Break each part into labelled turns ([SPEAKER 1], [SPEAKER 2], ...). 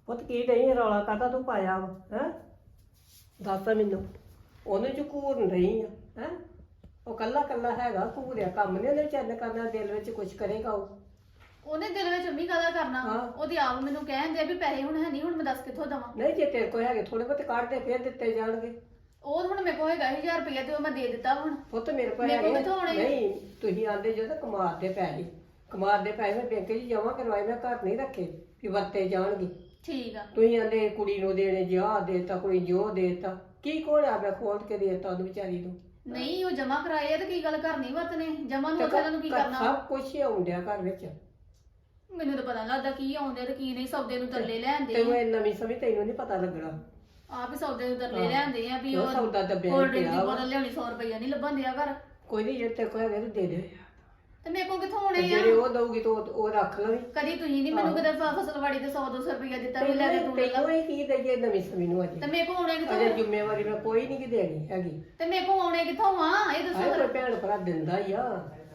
[SPEAKER 1] ਪੁੱਤ ਕੀ ਨਹੀਂ ਰੌਲਾ ਕਾਹਦਾ ਤੂੰ ਪਾਇਆ ਵਾ ਹੈ? ਦੱਸ ਮੈਨੂੰ। ਉਹਨੂੰ ਚ ਘੂਰਨ ਰਹੀ ਆ ਹੈ? ਉਹ ਕੱਲਾ ਕੱਲਾ ਹੈਗਾ, ਘੂਰਿਆ ਕੰਮ ਨਹੀਂ ਉਹਨੇ ਚੰਨ ਕਰਨਾ, ਦਿਲ ਵਿੱਚ ਕੁਝ ਕਰੇਗਾ ਉਹ।
[SPEAKER 2] ਉਹਨੇ ਦਿਲ ਵਿੱਚ ਅੰਮੀ ਕਾਹਦਾ ਕਰਨਾ?
[SPEAKER 1] ਹਾਂ।
[SPEAKER 2] ਉਹਦੀ ਆਪ ਮੈਨੂੰ ਕਹਿੰਦੇ ਆ ਵੀ ਪੈਸੇ ਹੁਣ ਹੈ ਨਹੀਂ, ਹੁਣ ਮੈਂ ਦੱਸ ਕਿੱਥੋਂ ਦਵਾਂ?
[SPEAKER 1] ਨਹੀਂ ਜੇ ਤੇਰੇ ਕੋਲ ਹੈਗੇ ਥੋੜੇ ਬਹੁਤੇ ਕੱਢ ਦੇ, ਫਿਰ ਦਿੱਤੇ ਜਾਣਗੇ।
[SPEAKER 2] ਉਹ ਹੁਣ ਮੇਰੇ ਕੋਲ ਹੈਗਾ 1000 ਰੁਪਇਆ ਤੇ ਉਹ ਮੈਂ ਦੇ ਦਿੱਤਾ ਹੁਣ।
[SPEAKER 1] ਪੁੱਤ ਮੇਰੇ ਕੋਲ
[SPEAKER 2] ਮੇਰੇ ਕੋਲ
[SPEAKER 1] ਹੈਗੇ
[SPEAKER 2] ਕਿੱਥੋਂ ਆਉਣੇ?
[SPEAKER 1] ਨਹੀਂ, ਤੁਸੀਂ ਆਂਦੇ ਜਦੋਂ ਕਮਾਦ ਦੇ ਪੈਸੇ, ਕਮਾਦ ਦੇ ਪੈਸੇ ਮੈਂ ਬੈਂਕ 'ਚ ਜਮ੍ਹਾਂ ਕਰਵਾਏ, ਮੈਂ ਘਰ ਨਹੀਂ ਰੱਖੇ ਕਿ ਵਰਤੇ ਜਾਣਗੇ।
[SPEAKER 2] ਠੀਕ ਆ।
[SPEAKER 1] ਤੁਸੀਂ ਆਂਦੇ ਕੁੜੀ ਨੂੰ ਦੇਣੇ, ਜਿਹਾ ਦੇਤਾ ਕੋਈ ਜੋ ਦੇਤਾ, ਕੀ ਕੋਲਿਆ ਮੈਂ ਖੋਲ ਕੇ ਦੇਤਾ ਉਹਨੂੰ ਵਿਚਾਰੀ ਨੂੰ।
[SPEAKER 2] ਨਹੀਂ ਉਹ ਜਮਾ ਕਰਾਏ ਆ ਤੇ ਕੀ ਗੱਲ ਕਰਨੀ ਵਰਤਨੇ ਜਮਾ ਨੂੰ
[SPEAKER 1] ਤੇ
[SPEAKER 2] ਉਹਨਾਂ ਨੂੰ ਕੀ ਕਰਨਾ?
[SPEAKER 1] ਸਭ ਕੁਝ ਹੀ ਆਉਂਦਿਆ ਘਰ ਵਿੱਚ।
[SPEAKER 2] ਮੈਨੂੰ ਤਾਂ ਪਤਾ ਨੀ ਲੱਗਦਾ ਕੀ ਆਉਂਦੇ ਤੇ ਕੀ ਨਹੀਂ। ਸੌਦੇ ਨੂੰ ਤਰਲੇ ਲੈਂਦੇ
[SPEAKER 1] ਤੈਨੂੰ ਇਹ ਨਵੀਂ ਸਮਝ ਤੈਨੂੰ ਨਹੀਂ ਪਤਾ ਲੱਗਣਾ।
[SPEAKER 2] ਆਪ ਹੀ ਸੌਦੇ ਨੂੰ ਤਰਲੇ ਲੈਂਦੇ ਆ ਵੀ
[SPEAKER 1] ਉਹ
[SPEAKER 2] ਉਹ
[SPEAKER 1] ਸੌਦਾ ਦੱਬਿਆ
[SPEAKER 2] ਕੋਲਡ
[SPEAKER 1] ਹੀ
[SPEAKER 2] ਡਰਿੰਕ ਦੀ
[SPEAKER 1] ਪਿਆ ਵਾ।
[SPEAKER 2] ਬੋਤਲ ਲਿਆਉਣੀ 100 ਰੁਪਇਆ ਨਹੀਂ ਲੱਭਣ ਦਿਆ ਘਰ।
[SPEAKER 1] ਕੋਈ ਨਹੀਂ, ਜੇ ਤੇਰੇ ਕੋਲ ਹੈਗੇ ਤੇ ਦੇ ਦੇ,
[SPEAKER 2] ਤੇ ਮੇਰੇ ਕੋਲ ਕਿੱਥੋਂ ਆਉਣੇ
[SPEAKER 1] ਤੇ
[SPEAKER 2] ਆ?
[SPEAKER 1] ਜਿਹੜੇ ਉਹ ਦਊਗੀ ਤਾਂ ਉਹ ਰੱਖ ਲਵੀਂ।
[SPEAKER 2] ਕਦੀ ਤੁਸੀਂ ਨਹੀਂ ਮੈਨੂੰ ਕਦੇ ਫਸਲਵਾੜੀ ਤੇ 100-200 ਰੁਪਇਆ ਦਿੱਤਾ ਵੀ ਲੈ ਕੇ ਤੂੰ ਲੈ ਲਾ।
[SPEAKER 1] ਤੈਨੂੰ ਹੀ ਕੀ ਦੇਈਏ ਨਵੀਂ ਸਮਝ ਨੂੰ
[SPEAKER 2] ਤੇ
[SPEAKER 1] ਅਜੇ।
[SPEAKER 2] ਮੇਰੇ ਕੋਲ ਆਉਣੇ
[SPEAKER 1] ਅਜੇ
[SPEAKER 2] ਕਿੱਥੋਂ?
[SPEAKER 1] ਜ਼ਿੰਮੇਵਾਰੀ ਮੈਂ ਕੋਈ ਨਹੀਂ ਕਿ ਦੇਣੀ ਹੈਗੀ।
[SPEAKER 2] ਤੇ ਮੇਰੇ ਕੋਲ ਆਉਣੇ ਕਿੱਥੋਂ ਆ ਇਹ ਦੱਸੋ
[SPEAKER 1] ਆਏ
[SPEAKER 2] ਫਿਰ।
[SPEAKER 1] ਕੋਈ ਭੈਣ ਭਰਾ ਦਿੰਦਾ ਹੀ ਆ।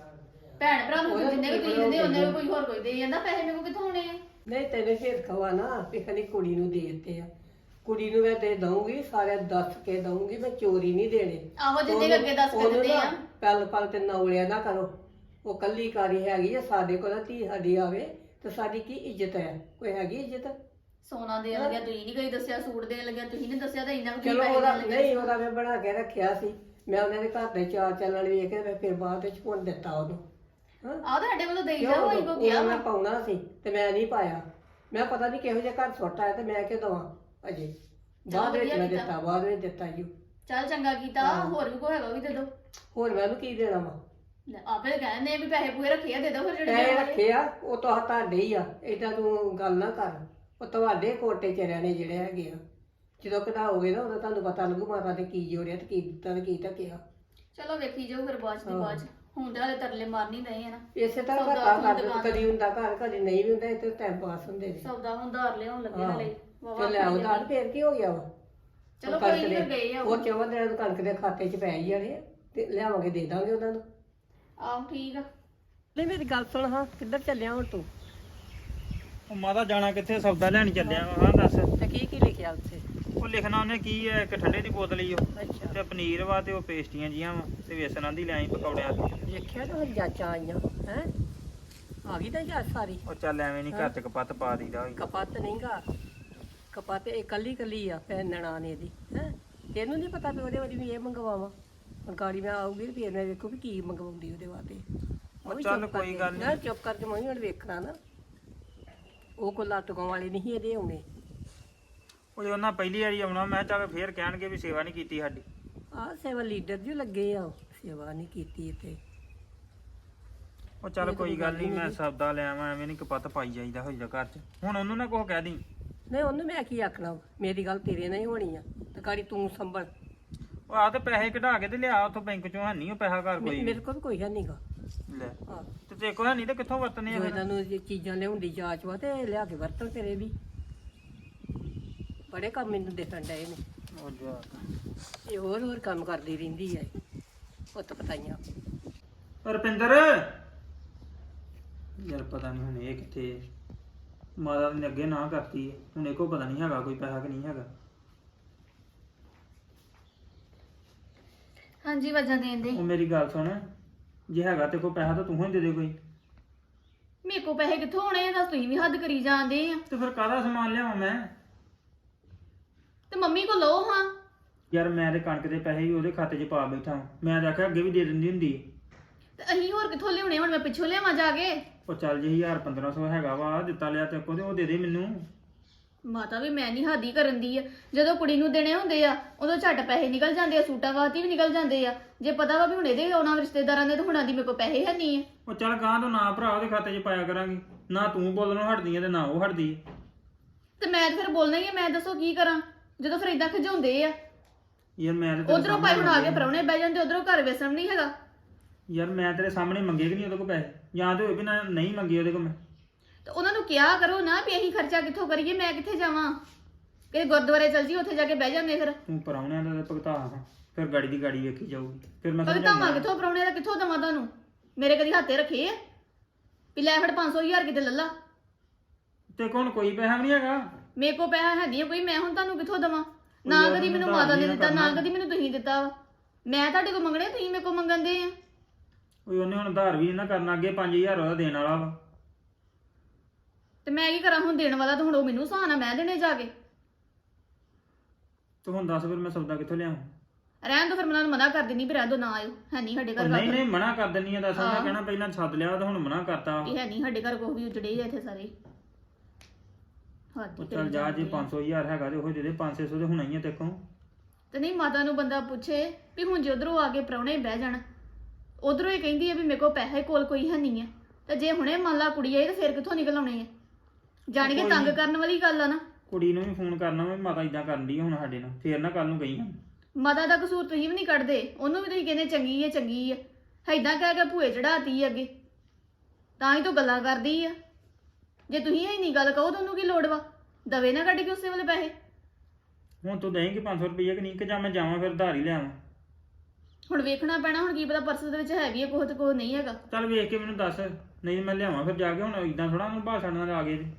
[SPEAKER 2] ਭੈਣ ਭਰਾ ਨੂੰ
[SPEAKER 1] ਉਹਦਾ
[SPEAKER 2] ਜਿੰਨੇ ਵੀ ਤੁਸੀਂ
[SPEAKER 1] ਕੋਈ
[SPEAKER 2] ਦਿੰਦੇ ਉਹਨੇ
[SPEAKER 1] ਨਹੀਂ।
[SPEAKER 2] ਕੋਈ ਹੋਰ ਕੋਈ ਦੇ ਜਾਂਦਾ ਪੈਸੇ। ਮੇਰੇ ਕੋਲ ਕਿੱਥੋਂ ਆਉਣੇ ਆ?
[SPEAKER 1] ਨਹੀਂ ਤੈਨੂੰ ਫੇਰ ਖਵਾ ਨਾ ਵੀ ਖਾਲੀ ਕੁੜੀ ਨੂੰ ਦੇ ਦਿੱਤੇ ਆ। ਕੁੜੀ ਨੂੰ ਮੈਂ ਦੇ ਦਊਂਗੀ, ਸਾਰੇ ਦੱਸ ਕੇ ਦਊਂਗੀ, ਮੈਂ ਚੋਰੀ ਨਹੀਂ ਦੇਣੇ।
[SPEAKER 2] ਆਹੋ ਜਿੰਨੇ ਕੁ ਅੱਗੇ ਦੱਸ ਕੇ
[SPEAKER 1] ਉਹਨੂੰ
[SPEAKER 2] ਦਿੰਦੇ
[SPEAKER 1] ਨਾ
[SPEAKER 2] ਆ।
[SPEAKER 1] ਪਲ ਪਲ ਤੇ ਨੌਲਿਆ ਨਾ ਕਰੋ। ਉਹ ਕੱਲੀ ਕਾਰੀ ਹੈਗੀ ਆ, ਸਾਡੇ ਕੋਲ ਧੀ ਸਾਡੀ ਆਵੇ ਤੇ ਸਾਡੀ ਕੀ ਇੱਜ਼ਤ ਹੈ? ਕੋਈ ਹੈਗੀ ਇੱਜ਼ਤ?
[SPEAKER 2] ਸੋਨਾ ਦੇਣ ਲੱਗਿਆ ਤੁਸੀਂ ਨਹੀਂ ਕਦੀ ਦੱਸਿਆ, ਸੂਟ ਦੇਣ ਲੱਗਿਆ ਤੁਸੀਂ ਨਹੀਂ ਦੱਸਿਆ, ਤਾਂ ਇੰਨਾ ਕੁ
[SPEAKER 1] ਚਲੋ
[SPEAKER 2] ਪੈਸੇ
[SPEAKER 1] ਉਹਦਾ
[SPEAKER 2] ਦੇਣ ਲੱਗਿਆ।
[SPEAKER 1] ਨਹੀਂ, ਉਹਦਾ ਮੈਂ ਬਣਾ ਕੇ ਰੱਖਿਆ ਸੀ। ਮੈਂ ਉਹਨਾਂ ਦੇ ਘਰ ਦੇ ਚਾਲ ਚੱਲਣ ਵੇਖ ਕੇ ਮੈਂ ਫਿਰ ਬਾਅਦ ਵਿੱਚ ਹੁਣ ਦਿੱਤਾ ਉਹਨੂੰ। ਹਾਂ,
[SPEAKER 2] ਆਹ ਤੁਹਾਡੇ ਵੱਲੋਂ ਦੇਈ
[SPEAKER 1] ਕਿਉਂ?
[SPEAKER 2] ਜਾ ਹੋਈ ਕੋ ਗਿਆ
[SPEAKER 1] ਮੈਂ ਪਾਉਣਾ ਸੀ ਤੇ ਮੈਂ ਨਹੀਂ ਪਾਇਆ। ਮੈਂ ਪਤਾ ਨਹੀਂ ਕਿਹੋ ਜਿਹਾ ਘਰ ਸੁੱਟ ਆਇਆ ਤੇ ਮੈਂ ਕਿ ਦਵਾਂ ਅਜੇ। ਬਾਅਦ ਵਿੱਚ ਮੈਂ ਦਿੱਤਾ, ਬਾਅਦ ਵਿੱਚ ਦਿੱਤਾ ਜੀ।
[SPEAKER 2] ਚੱਲ ਚੰਗਾ ਕੀਤਾ। ਹੋਰ ਵੀ ਕੋਈ ਹੈਗਾ ਉਹ ਵੀ ਦੇ ਦੋ।
[SPEAKER 1] ਹੋਰ ਮੈਂ ਉਹਨੂੰ ਕੀ ਦੇਣਾ ਵਾ?
[SPEAKER 2] ਆਪੇ ਕਹਿੰਦੇ ਵੀ ਪੈਸੇ ਪੂਰੇ ਰੱਖੇ ਆ, ਦੇ ਦੋ ਫਿਰ ਜਿਹੜੇ
[SPEAKER 1] ਪੈਸੇ
[SPEAKER 2] ਦੇਣ ਵਾਲੇ।
[SPEAKER 1] ਰੱਖੇ ਆ, ਉਹ ਤਾਂ ਤੁਹਾਡੇ ਹੀ ਆ। ਏਦਾਂ ਤੂੰ ਗੱਲ ਨਾ ਕਰ। ਉਹ ਤੁਹਾਡੇ ਕੋਟੇ ਚਰਿਆਂ ਨੇ ਜਿਹੜੇ ਹੈਗੇ ਆ। ਜਦੋਂ ਕਢਾਓਗੇ ਨਾ ਉਦੋਂ ਤੁਹਾਨੂੰ ਪਤਾ ਲੱਗੂ ਮਾਤਾ ਨੇ ਕੀ ਜੋੜਿਆ ਤੇ ਕੀ ਦਿੱਤਾ ਤੇ ਕੀ ਢੱਕਿਆ।
[SPEAKER 2] ਚਲੋ ਵੇਖੀ ਜਾਓ ਫਿਰ ਬਾਅਦ ਚ ਦੀ ਬਾਅਦ ਚ। ਹੁਣ ਤਾਂ ਹਲੇ ਤਰਲੇ ਮਾਰਨੀ ਨਹੀਂ ਹੈ ਨਾ।
[SPEAKER 1] ਇਸੇ ਤਰ੍ਹਾਂ
[SPEAKER 2] ਸੌਦਾ
[SPEAKER 1] ਘਰ
[SPEAKER 2] ਹੁਣ
[SPEAKER 1] ਕਰ
[SPEAKER 2] ਦੁਕਾਨ
[SPEAKER 1] ਕਦੀ ਹੁੰਦਾ ਘਰ, ਕਦੀ ਨਹੀਂ ਵੀ ਹੁੰਦਾ। ਇੱਥੇ ਟਾਈਮ ਪਾਸ ਹੁੰਦੇ ਨੇ।
[SPEAKER 2] ਸੌਦਾ ਹੁਣ ਧਾਰ ਲਿਆਉਣ ਲੱਗੇ
[SPEAKER 1] ਹਾਂ।
[SPEAKER 2] ਹਲੇ
[SPEAKER 1] ਤੇ ਲੈ ਆਓ ਦਾਲ, ਫੇਰ ਕੀ ਹੋ ਗਿਆ ਵਾ?
[SPEAKER 2] ਚਲੋ
[SPEAKER 1] ਉਹ
[SPEAKER 2] ਕੋਈ
[SPEAKER 1] ਕਣਕ
[SPEAKER 2] ਨਹੀਂ
[SPEAKER 1] ਦੇ-
[SPEAKER 2] ਗਏ ਆ
[SPEAKER 1] ਉਹ 14 ਦਿਨਾਂ ਨੂੰ ਕਣਕ ਦੇ ਖਾਤੇ 'ਚ ਪੈ ਹੀ ਜਾਣੇ ਆ ਤੇ ਲਿਆਵਾਂਗੇ, ਦੇ ਦਾਂਗੇ ਉਹਨਾਂ ਨੂੰ।
[SPEAKER 2] ਆਹੋ ਠੀਕ ਆ।
[SPEAKER 1] ਨਹੀਂ ਮੇਰੀ ਗੱਲ ਸੁਣ, ਹਾਂ ਕਿੱਧਰ ਚੱਲਿਆ ਹੁਣ ਤੂੰ?
[SPEAKER 3] ਉਹ ਮਾਤਾ ਜਾਣਾ ਕਿੱਥੇ? ਸੌਦਾ ਲੈਣ ਚੱਲਿਆ ਵਾ। ਹਾਂ ਦੱਸ।
[SPEAKER 1] ਤੇ ਕੀ ਲਿਖਿਆ ਉੱਥੇ?
[SPEAKER 3] ਉਹ ਲਿਖਣਾ ਉਹਨੇ ਕੀ ਹੈ, ਇੱਕ ਠੰਡੇ ਦੀ ਬੋਤਲ ਹੀ ਉਹ
[SPEAKER 1] ਅੱਛਾ,
[SPEAKER 3] ਤੇ ਪਨੀਰ ਵਾ ਤੇ ਉਹ ਪੇਸਟੀਆਂ ਜੀਆਂ ਵਾ ਤੇ ਵੇਸਣਾਂ ਦੀ ਲਿਆਈ ਪਕੌੜਿਆਂ ਦੀ।
[SPEAKER 1] ਦੇਖਿਆ ਤਾਂ ਜਾਂਚਾਂ ਆਈਆਂ ਹੈ, ਆ ਗਈ ਤਾਂ ਜਾਂਚ ਸਾਰੀ।
[SPEAKER 3] ਉਹ ਚੱਲ ਐਵੇਂ ਨਹੀਂ ਘਰ ਚ ਕਪੱਤ ਪਾ ਦੀਦਾ ਹੋਈ।
[SPEAKER 1] ਕਪੱਤ ਨਹੀਂਗਾ, ਕਪੱਤ ਇਹ ਕੱਲੀ ਕੱਲੀ ਆ ਭੈਣ ਨਨਾਣ ਇਹਦੀ ਹੈ। ਤੈਨੂੰ ਨਹੀਂ ਪਤਾ ਵੀ ਉਹਦੇ ਵਾਲੀ ਵੀ ਇਹ ਮੰਗਵਾਵਾਂ? ਹੁਣ ਗਾੜੀ ਮੈਂ ਆਊਗੀ ਤੇ ਫਿਰ ਮੈਂ ਵੇਖੂ ਵੀ ਕੀ ਮੰਗਵਾਉਂਦੀ ਉਹਦੇ ਵਾਸਤੇ।
[SPEAKER 3] ਉਹ ਚੱਲ ਕੋਈ ਗੱਲ
[SPEAKER 1] ਨਾ ਚੁੱਪ ਕਰਕੇ ਮੈਂ ਵੀ ਹੁਣ ਵੇਖਣਾ ਨਾ। ਉਹ ਕੋਈ ਲੱਤ ਗਾਉਣ ਵਾਲੇ ਨਹੀਂ ਇਹਦੇ ਆਉਣੇ।
[SPEAKER 3] ਉਹ ਉਹਨਾਂ ਪਹਿਲੀ ਵਾਰੀ ਆਉਣਾ, ਮੈਂ ਚੱਲ ਫੇਰ ਕਹਿਣਗੇ ਵੀ ਸੇਵਾ ਨਹੀਂ ਕੀਤੀ ਸਾਡੀ।
[SPEAKER 1] ਆਹ ਸੇਵਾ ਲੀਡਰ ਜੀ ਲੱਗੇ ਆ, ਸੇਵਾ ਨਹੀਂ ਕੀਤੀ ਇੱਥੇ।
[SPEAKER 3] ਉਹ ਚੱਲ ਕੋਈ ਗੱਲ ਨਹੀਂ, ਮੈਂ ਸੌਦਾ ਲੈ ਆਵਾਂ। ਐਵੇਂ ਨਹੀਂ ਕਪੱਤ ਪਾਈ ਜਾਈਦਾ ਹੋਈਦਾ ਘਰ ਚ। ਹੁਣ ਉਹਨੂੰ ਨਾ ਕੁਛ ਕਹਿ ਦੀ।
[SPEAKER 1] ਨਹੀਂ ਉਹਨੂੰ ਮੈਂ ਕੀ ਆਖਣਾ ਵਾ? ਮੇਰੀ ਗੱਲ ਤੇਰੇ ਨਾਲ ਹੀ ਹੋਣੀ ਆ ਤੇ ਗਾੜੀ ਤੂੰ ਸੰਭਲ।
[SPEAKER 3] ਉਹ ਆ ਤੇ ਪੈਸੇ ਕਢਾ ਕੇ ਤੇ ਲਿਆ ਉੱਥੋਂ ਬੈਂਕ ਚੋਂ। ਹੈ ਨਹੀਂ ਉਹ ਪੈਸਾ ਘਰ ਕੋਈ
[SPEAKER 1] ਮੇਰੇ ਕੋਲ ਵੀ ਕੋਈ ਹੈ ਨਹੀਂਗਾ।
[SPEAKER 3] ਲੈ
[SPEAKER 1] ਹਾਂ,
[SPEAKER 3] ਤੇ ਜੇ ਕੋਈ ਹੈ ਨਹੀਂ ਤੇ ਕਿੱਥੋਂ ਵਰਤਨੇ ਆ
[SPEAKER 1] ਜੋ
[SPEAKER 3] ਫਿਰ?
[SPEAKER 1] ਇਹਨਾਂ ਨੂੰ ਜੇ ਚੀਜ਼ਾਂ ਲਿਆਉਣ ਦੀ ਜਾਂਚ ਵਾ ਤੇ ਲਿਆ ਕੇ ਵਰਤਣ ਤੇਰੇ ਵੀ। ਬੜੇ ਕੰਮ ਮੈਨੂੰ ਦੇਖਣ ਡਏ ਨੇ।
[SPEAKER 3] ਉਹ ਜਾ
[SPEAKER 1] ਇਹ ਹੋਰ ਕੰਮ ਕਰਦੀ ਰਹਿੰਦੀ ਹੈ ਪੁੱਤ ਪਤਾਈਆਂ।
[SPEAKER 3] ਰੁਪਿੰਦਰ ਯਾਰ ਪਤਾ ਨਹੀਂ ਹੁਣ ਇਹ ਕਿੱਥੇ। ਮਾਤਾ ਨੇ ਅੱਗੇ ਨਾ ਕਰਤੀ ਹੈ, ਹੁਣ ਇਹ ਕੋ ਪਤਾ ਨਹੀਂ ਹੈਗਾ ਕੋਈ ਪੈਸਾ ਕਿ ਨਹੀਂ ਹੈਗਾ।
[SPEAKER 2] ਹਾਂਜੀ ਵਜਾਂ ਦੇਣ ਦੇ।
[SPEAKER 3] ਉਹ ਮੇਰੀ ਗੱਲ ਸੁਣ, ਜੇ ਹੈਗਾ ਤੇ ਕੋਈ ਪੈਸਾ ਤਾਂ ਤੂੰ ਹੀ ਦੇ ਦੇ ਕੋਈ।
[SPEAKER 2] ਮੇਰੇ ਕੋਲ ਪੈਸੇ ਕਿੱਥੋਂ ਆਉਣੇ ਆ? ਦੱਸ ਤੁਸੀਂ ਵੀ ਹੱਦ ਕਰੀ ਜਾਂਦੇ ਆ।
[SPEAKER 3] ਤੇ ਫਿਰ ਕਾਹਦਾ ਸਮਾਨ ਲਿਆਵਾਂ ਮੈਂ?
[SPEAKER 2] ਤੇ ਮੰਮੀ ਕੋਲ ਲਓ ਹਾਂ।
[SPEAKER 3] ਯਾਰ ਮੈਂ ਤੇ ਕਣਕ ਦੇ ਪੈਸੇ ਵੀ ਉਹਦੇ ਖਾਤੇ 'ਚ ਪਾ ਬੈਠਾ ਵਾਂ। ਮੈਂ ਤਾਂ ਆਖਿਆ ਅੱਗੇ ਵੀ ਦੇ ਦਿੰਦੀ ਹੁੰਦੀ।
[SPEAKER 2] ਤੇ ਅਸੀਂ ਹੋਰ ਕਿੱਥੋਂ ਲਿਆਉਣੇ? ਹੁਣ ਮੈਂ ਪਿੱਛੋਂ ਲਿਆਵਾਂ ਜਾ ਕੇ?
[SPEAKER 3] ਉਹ ਚੱਲ ਜੇ 1000-1500 ਹੈਗਾ ਵਾ ਦਿੱਤਾ ਲਿਆ ਤੇ ਅੱਗੋਂ ਤੇ ਉਹ ਦੇ ਦੇ ਮੈਨੂੰ।
[SPEAKER 2] ਮਾਤਾ ਵੀ ਮੈਂ ਨਹੀਂ ਹਾਦੀ ਕਰਨ ਦੀ ਆ। ਜਦੋਂ ਕੁੜੀ ਨੂੰ ਦੇਣੇ ਹੁੰਦੇ ਆ ਉਦੋਂ ਝੱਟ ਪੈਸੇ ਨਿਕਲ ਜਾਂਦੇ ਆ, ਸੂਟਾਂ ਵਾਸਤੇ ਵੀ ਨਿਕਲ ਜਾਂਦੇ ਆ। ਜੇ ਪਤਾ ਵਾ ਵੀ ਹੁਣ ਇਹਦੇ ਆਉਣਾ ਰਿਸ਼ਤੇਦਾਰਾਂ ਦੇ ਤਾਂ ਹੁਣਾਂ ਦੀ ਮੇਰੇ ਕੋਲ ਪੈਸੇ ਹੈ ਨਹੀਂ ਆ।
[SPEAKER 3] ਉਹ ਚੱਲ ਗਾਂ ਤੋਂ ਨਾ ਭਰਾ ਉਹਦੇ ਖਾਤੇ 'ਚ ਪਾਇਆ ਕਰਾਂਗੀ। ਨਾ ਤੂੰ ਬੋਲਣੋਂ ਹਟਦੀ ਹੈ ਤੇ ਨਾ ਉਹ ਹਟਦੀ ਹੈ।
[SPEAKER 2] ਤੇ ਮੈਂ ਤਾਂ ਫਿਰ ਬੋਲਣਾ ਹੀ ਆ। ਮੈਂ ਦੱਸੋ ਕੀ ਕਰਾਂ ਜਦੋਂ ਫਿਰ ਇਦਾਂ ਖਿਜਾਉਂਦੇ ਆ।
[SPEAKER 3] ਯਾਰ ਮੈਂ ਤੇ ਤੇਰੇ
[SPEAKER 2] ਉਧਰੋਂ ਭਾਈ ਹੁਣ ਆ ਕੇ
[SPEAKER 3] ਸਾਹਮਣੇ
[SPEAKER 2] ਪ੍ਰਾਹੁਣੇ ਬਹਿ ਜਾਂਦੇ, ਉਧਰੋਂ ਘਰ ਵੇਸਣ ਨਹੀਂ ਹੈਗਾ।
[SPEAKER 3] ਯਾਰ ਮੈਂ ਤੇਰੇ ਸਾਹਮਣੇ ਮੰਗੇ ਕਿ ਨਹੀਂ ਉਹਦੇ ਕੋਲ ਪੈਸੇ? ਜਾਂ ਤੇ ਹੋਏ ਵੀ ਨਾ ਨਹੀਂ ਮੰਗੇ ਉਹਦੇ ਕੋਲ ਮੈਂ।
[SPEAKER 2] ਤੇ ਉਹਨਾਂ ਨੂੰ ਕਿਹਾ ਕਰੋ ਨਾ ਵੀ ਅਸੀਂ ਖਰਚਾ ਕਿੱਥੋਂ ਕਰੀਏ, ਮੈਂ ਕਿੱਥੇ ਜਾਵਾਂ? ਕਿ ਗੁਰਦੁਆਰੇ ਚਲ ਜੀ, ਉੱਥੇ ਜਾ ਕੇ ਬਹਿ ਜਾਂਦੇ। ਫਿਰ
[SPEAKER 3] ਤੂੰ ਪਰਾਉਣਿਆਂ ਦਾ ਭੁਗਤਾ ਹਾਂ, ਫਿਰ ਗਾੜੀ ਦੀ ਗਾੜੀ ਵੇਖੀ ਜਾਊਗੀ। ਫਿਰ ਮੈਂ
[SPEAKER 2] ਕਦੇ ਧਾਵਾਂ ਕਿੱਥੋਂ ਪ੍ਰਾਹੁਣੇ ਦਾ ਕਿੱਥੋਂ ਦਵਾਂ ਤੁਹਾਨੂੰ? ਮੇਰੇ ਕਦੀ ਹੱਥੇ ਰੱਖੇ ਆ ਵੀ ਲੈ ਫੜ 500,000 ਕਿਤੇ ਲੱਲਾ।
[SPEAKER 3] ਤੇ ਕੋਣ ਕੋਈ ਪੈਸਾ ਵੀ ਨਹੀਂ ਹੈਗਾ।
[SPEAKER 2] ਮੇਰੇ ਕੋਲ ਪੈਸਾ ਹੈ ਨਹੀਂ ਕੋਈ, ਮੈਂ ਹੁਣ ਤੁਹਾਨੂੰ ਕਿੱਥੋਂ ਦੇਵਾਂ? ਨਾ
[SPEAKER 3] ਯਾਰ
[SPEAKER 2] ਕਦੀ ਮੈਨੂੰ
[SPEAKER 3] ਉਹਨੂੰ
[SPEAKER 2] ਮਾਤਾ ਨੇ
[SPEAKER 3] ਉਧਾਰ
[SPEAKER 2] ਦਿੱਤਾ, ਨਾ
[SPEAKER 3] ਕਰਨਾ।
[SPEAKER 2] ਕਦੀ ਮੈਨੂੰ ਤੁਸੀਂ ਦਿੱਤਾ ਵਾ। ਮੈਂ ਤੁਹਾਡੇ ਕੋਲ ਮੰਗਣੇ, ਤੁਸੀਂ ਮੇਰੇ ਕੋਲ ਮੰਗਣ ਦੇ ਆ।
[SPEAKER 3] ਓਏ ਉਹਨੇ ਹੁਣ ਉਧਾਰ ਵੀ ਨਾ ਕਰਨਾ, ਅੱਗੇ 5000 ਉਹਦਾ ਦੇਣ ਵਾਲਾ ਵਾ।
[SPEAKER 2] ਤੇ ਮੈਂ ਕੀ ਕਰਾਂ ਹੁਣ? ਦੇਣ ਵਾਲਾ ਤਾਂ ਹੁਣ ਉਹ ਮੈਨੂੰ ਸਹਾਨਾ, ਮੈਂ ਦੇਣੇ ਜਾ ਕੇ।
[SPEAKER 3] ਤੂੰ ਹੁਣ ਦੱਸ ਫਿਰ ਮੈਂ ਸੌਦਾ ਕਿੱਥੋਂ ਲਿਆਵਾਂ?
[SPEAKER 2] ਰਹਿਣ ਦੋ ਫਿਰ, ਮੈਂ ਉਹਨਾਂ ਨੂੰ ਮਨਾ ਕਰ ਦਿੰਦੀ ਵੀ ਰਹਿ ਦੋ, ਨਾ ਆਇਓ, ਹੈ ਨਹੀਂ ਸਾਡੇ ਘਰ
[SPEAKER 3] ਨਹੀਂ
[SPEAKER 2] ਗੱਲ।
[SPEAKER 3] ਨਹੀਂ ਮਨਾ ਕਰ ਦਿੰਨੀ ਆ, ਦੱਸ ਮੈਂ
[SPEAKER 2] ਹਾਂ।
[SPEAKER 3] ਕਹਿਣਾ ਪਹਿਲਾਂ ਸੱਦ ਲਿਆ ਤੇ ਹੁਣ ਮਨਾ ਕਰਤਾ।
[SPEAKER 2] ਇਹ ਹੈ ਨਹੀਂ ਸਾਡੇ ਘਰ ਕੋਈ ਵੀ ਉਜੜੇ ਆ ਇੱਥੇ ਸਾਰੇ। ਹੱਦ
[SPEAKER 3] ਉਹ
[SPEAKER 2] ਹੀ
[SPEAKER 3] ਚੱਲ
[SPEAKER 2] ਕਰੀ
[SPEAKER 3] ਜਾ,
[SPEAKER 2] ਜਾਂਦੇ
[SPEAKER 3] ਜੇ
[SPEAKER 2] ਆ।
[SPEAKER 3] 500,000 ਹੈਗਾ ਤੇ ਉਹ ਦੇ ਦੇ, 500 ਤੇ ਹੋਣਾ ਹੀ ਆ ਤੇਕੋਂ।
[SPEAKER 2] ਤੇ ਨਹੀਂ ਮਾਤਾ ਨੂੰ ਬੰਦਾ ਪੁੱਛੇ ਵੀ ਹੁਣ ਜੇ ਉਧਰੋਂ ਆ ਕੇ ਪ੍ਰਾਹੁਣੇ ਬਹਿ ਜਾਣ, ਉਧਰੋਂ ਹੀ ਕਹਿੰਦੀ ਆ ਵੀ ਮੇਰੇ ਕੋਲ ਪੈਸੇ ਕੋਲ ਕੋਈ ਹੈ ਨਹੀਂ ਆ, ਤੇ ਜੇ ਹੁਣੇ ਮੰਨ ਲਾ ਕੁੜੀ ਆਈ ਤਾਂ ਫਿਰ ਕਿੱਥੋਂ ਨਿਕਲ ਆਉਣੇ ਆ? ਜਾਣ ਕੇ
[SPEAKER 3] ਕੋਈ
[SPEAKER 2] ਤੰਗ
[SPEAKER 3] ਨੀ।
[SPEAKER 2] ਕਰਨ ਵਾਲੀ ਗੱਲ ਆ ਨਾ।
[SPEAKER 3] ਕੁੜੀ ਨੂੰ ਵੀ ਫੋਨ ਕਰਨਾ ਵਾ, ਮਾਤਾ ਇਦਾਂ ਕਰਨ ਦੀ ਹੁਣ ਸਾਡੇ ਨਾਲ, ਫੇਰ ਨਾ ਕੱਲ ਨੂੰ ਗਈ ਹਾਂ।
[SPEAKER 2] ਮਾਤਾ ਦਾ ਕਸੂਰ ਤੁਸੀਂ ਵੀ ਨਹੀਂ ਕੱਢਦੇ, ਉਹਨੂੰ ਵੀ ਤੁਸੀਂ ਕਹਿੰਦੇ ਚੰਗੀ ਹੈ ਚੰਗੀ ਹੈ, ਏਦਾਂ ਕਹਿ ਕੇ ਭੂਏ ਚੜਾਤੀ ਅੱਗੇ, ਤਾਂ ਹੀ ਤਾਂ ਗੱਲਾਂ ਕਰਦੀ ਆ। ਜੇ ਤੁਸੀਂ ਇਹ ਨਹੀਂ ਗੱਲ ਕਹੋ ਤਾਂ ਉਹਨੂੰ ਕੀ ਲੋੜ ਵਾ? ਦਵੇ ਨਾ ਕੱਢ ਕੇ ਉਸੇ ਵੇਲੇ ਪੈਸੇ।
[SPEAKER 3] ਹੁਣ ਤੂੰ ਦੇਂਗੀ 500 ਰੁਪਏ ਕਿ ਨਹੀਂ, ਕਿ ਜਾਂ ਮੈਂ ਜਾਵਾਂ ਫਿਰ ਉਧਾਰ ਹੀ ਲਿਆਵਾਂ?
[SPEAKER 2] ਹੁਣ ਵੇਖਣਾ ਪੈਣਾ, ਹੁਣ ਕੀ ਪਤਾ ਪਰਸ ਦੇ ਵਿੱਚ ਹੈ ਵੀ ਹੈ ਕੁਛ ਤੇ ਕੁਛ ਨਹੀਂ ਹੈਗਾ।
[SPEAKER 3] ਚੱਲ ਵੇਖ ਕੇ ਮੈਨੂੰ ਦੱਸ, ਨਹੀਂ ਮੈਂ ਲਿਆਵਾਂ ਫਿਰ ਜਾ ਕੇ। ਹੁਣ ਇਦਾਂ ਥੋੜਾ ਉਹਨੂੰ ਭਾਸ਼ਣ ਨਾਲ ਆ ਗਏ ਤੇ।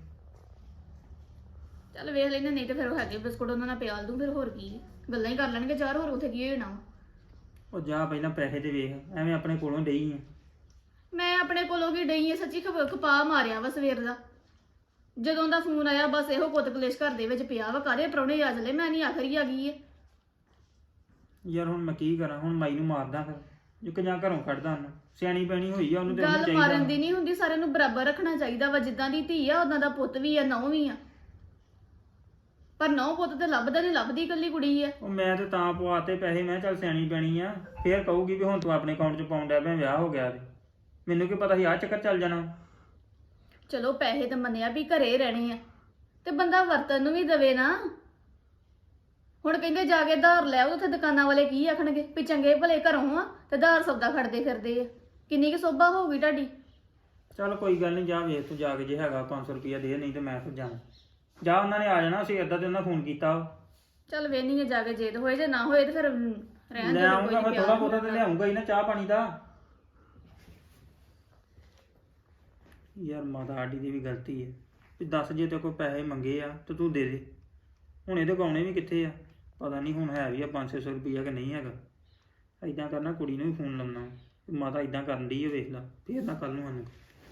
[SPEAKER 2] ਚੱਲ ਵੇਖ ਲੈਨੇ, ਨਹੀਂ ਤੇ ਫਿਰ ਉਹ ਹੈਗੇ ਬਿਸਕੁਟ ਉਹਨਾਂ ਨਾਲ ਪਿਆਲ ਦੂੰ, ਫਿਰ ਹੋਰ ਕੀ ਹੈ, ਗੱਲਾਂ ਹੀ ਕਰ ਲੈਣਗੇ ਚਾਰ, ਹੋਰ ਉੱਥੇ ਕੀ ਹੋਣਾ।
[SPEAKER 3] ਉਹ ਜਾ ਪਹਿਲਾਂ ਪੈਸੇ ਤੇ ਵੇਖ, ਐਵੇਂ ਆਪਣੇ ਕੋਲੋਂ ਡਈ ਆ।
[SPEAKER 2] ਮੈਂ ਆਪਣੇ ਕੋਲੋਂ ਕੀ ਡਈ ਆ, ਸੱਚੀ ਖਪਾ ਮਾਰਿਆ ਵਾ ਸਵੇਰ ਦਾ। ਜਦੋਂ ਦਾ ਫੋਨ ਆਇਆ ਬਸ ਇਹੋ ਕੁੱਤ ਕਲੇਸ਼ ਘਰ ਦੇ ਵਿੱਚ ਪਿਆ ਵਾ, ਕਾਹਦੇ ਪ੍ਰਾਹੁਣੇ ਆ ਚਲੇ, ਮੈਂ ਨਹੀਂ ਆਖਰੀ ਆ ਗਈ ਏ।
[SPEAKER 3] ਯਾਰ ਹੁਣ ਮੈਂ ਕੀ ਕਰਾਂ? ਹੁਣ ਮਾਈ ਨੂੰ ਮਾਰਦਾ ਫਿਰ, ਜੇ ਕਿਜਾਂ ਘਰੋਂ ਕੱਢਦਾ ਉਹਨੂੰ? ਸਿਆਣੀ ਪੈਣੀ ਹੋਈ ਆ ਉਹਨੂੰ, ਤੇ ਉਹਨੂੰ
[SPEAKER 2] ਗੱਲ
[SPEAKER 3] ਚਾਹੀਦਾ।
[SPEAKER 2] ਮਾਰਨ ਦੀ ਨਹੀਂ ਹੁੰਦੀ, ਸਾਰਿਆਂ ਨੂੰ ਬਰਾਬਰ ਰੱਖਣਾ ਚਾਹੀਦਾ ਵਾ। ਜਿੱਦਾਂ ਦੀ ਧੀ ਆ ਉਦਾਂ ਦਾ ਪੁੱਤ ਵੀ ਆ, ਨਹੁੰ ਵੀ ਆ। ਪਰ ਨਹੁੰ ਪੁੱਤ ਤੇ ਲੱਭਦਾ ਨਹੀਂ, ਲੱਭਦੀ ਇਕੱਲੀ ਕੁੜੀ ਆ।
[SPEAKER 3] ਉਹ ਮੈਂ ਤੇ ਤਾਂ ਪਵਾਤੇ ਪੈਸੇ, ਮੈਂ ਚੱਲ ਸਿਆਣੀ ਪੈਣੀ ਆ। ਫੇਰ ਕਹੂਗੀ ਵੀ ਹੁਣ ਤੂੰ ਆਪਣੇ ਅਕਾਊਂਟ 'ਚ ਪਾਉਣ ਡਿਆ ਪਿਆ, ਵਿਆਹ ਹੋ ਗਿਆ ਤੇ ਮੈਨੂੰ ਕੀ ਪਤਾ ਸੀ ਆਹ ਚੱਕਰ ਚੱਲ ਜਾਣਾ।
[SPEAKER 2] ਚਲੋ ਪੈਸੇ ਤਾਂ ਮੰਨਿਆ ਵੀ ਘਰੇ ਰਹਿਣੇ ਆ, ਤੇ ਬੰਦਾ ਵਰਤਨ ਨੂੰ ਵੀ ਦਵੇ ਨਾ। ਹੁਣ ਕਹਿੰਦੇ ਜਾ ਕੇ ਧਾਰ ਲੈ ਆਓ, ਉੱਥੇ ਦੁਕਾਨਾਂ ਵਾਲੇ ਕੀ ਆਖਣਗੇ ਵੀ ਚੰਗੇ ਭਲੇ ਘਰੋਂ ਆ ਤੇ ਧਾਰ ਸੌਦਾ ਖੜਦੇ ਫਿਰਦੇ ਆ। ਕਿੰਨੀ ਕੁ ਸੋਭਾ ਹੋਊਗੀ ਤੁਹਾਡੀ?
[SPEAKER 3] ਚੱਲ ਕੋਈ ਗੱਲ ਨਹੀਂ, ਜਾ ਵੇਖ ਤੂੰ ਜਾ ਕੇ, ਜੇ ਹੈਗਾ 500 ਰੁਪਇਆ ਦੇ, ਨਹੀਂ ਤੇ ਮੈਂ ਫਿਰ ਜਾਵਾਂ। ਜਾ, ਉਹਨਾਂ ਨੇ ਆ ਜਾਣਾ ਸੀ, ਏਦਾਂ ਤੇ ਉਹਨਾਂ ਫੋਨ ਕੀਤਾ।
[SPEAKER 2] ਚੱਲ ਵੇਹਨੀ ਜਾ ਕੇ, ਜੇ ਤਾਂ ਹੋਏ ਜੇ ਨਾ ਹੋਏ ਤੇ ਫਿਰ ਰਹਿਣ
[SPEAKER 3] ਲੈ
[SPEAKER 2] ਦੇ,
[SPEAKER 3] ਆਉਂਗਾ ਮੈਂ, ਥੋੜਾ ਬਹੁਤਾ ਤੇ ਲਿਆਉਂਗਾ ਹੀ ਨਾ, ਚਾਹ ਪਾਣੀ ਦਾ। ਯਾਰ ਮਾਤਾ ਆਡੀ ਦੀ ਵੀ ਗਲਤੀ ਹੈ ਵੀ ਦੱਸ, ਜੇ ਤੇ ਕੋਈ ਪੈਸੇ ਮੰਗੇ ਆ ਤੇ ਤੂੰ ਦੇ ਦੇ। ਹੁਣ ਇਹਦੇ ਗਾਉਣੇ ਵੀ ਕਿੱਥੇ ਆ? ਪਤਾ ਨਹੀਂ ਹੁਣ ਹੈ ਵੀ ਆ 500 ਰੁਪਈਆ ਕਿ ਨਹੀਂ ਹੈਗਾ। ਏਦਾਂ ਕਰਨਾ, ਕੁੜੀ ਨੂੰ ਵੀ ਫੋਨ ਲਾਉਣਾ, ਮਾਤਾ ਏਦਾਂ ਕਰਨ ਦੀ ਹੈ, ਵੇਖ ਲਾ, ਫੇਰ ਨਾ ਕੱਲ ਨੂੰ ਸਾਨੂੰ।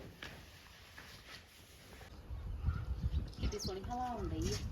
[SPEAKER 2] ਕਿੰਨੀ ਸੋਹਣੀ ਹਵਾ ਆਉਂਦੀ ਹੈ।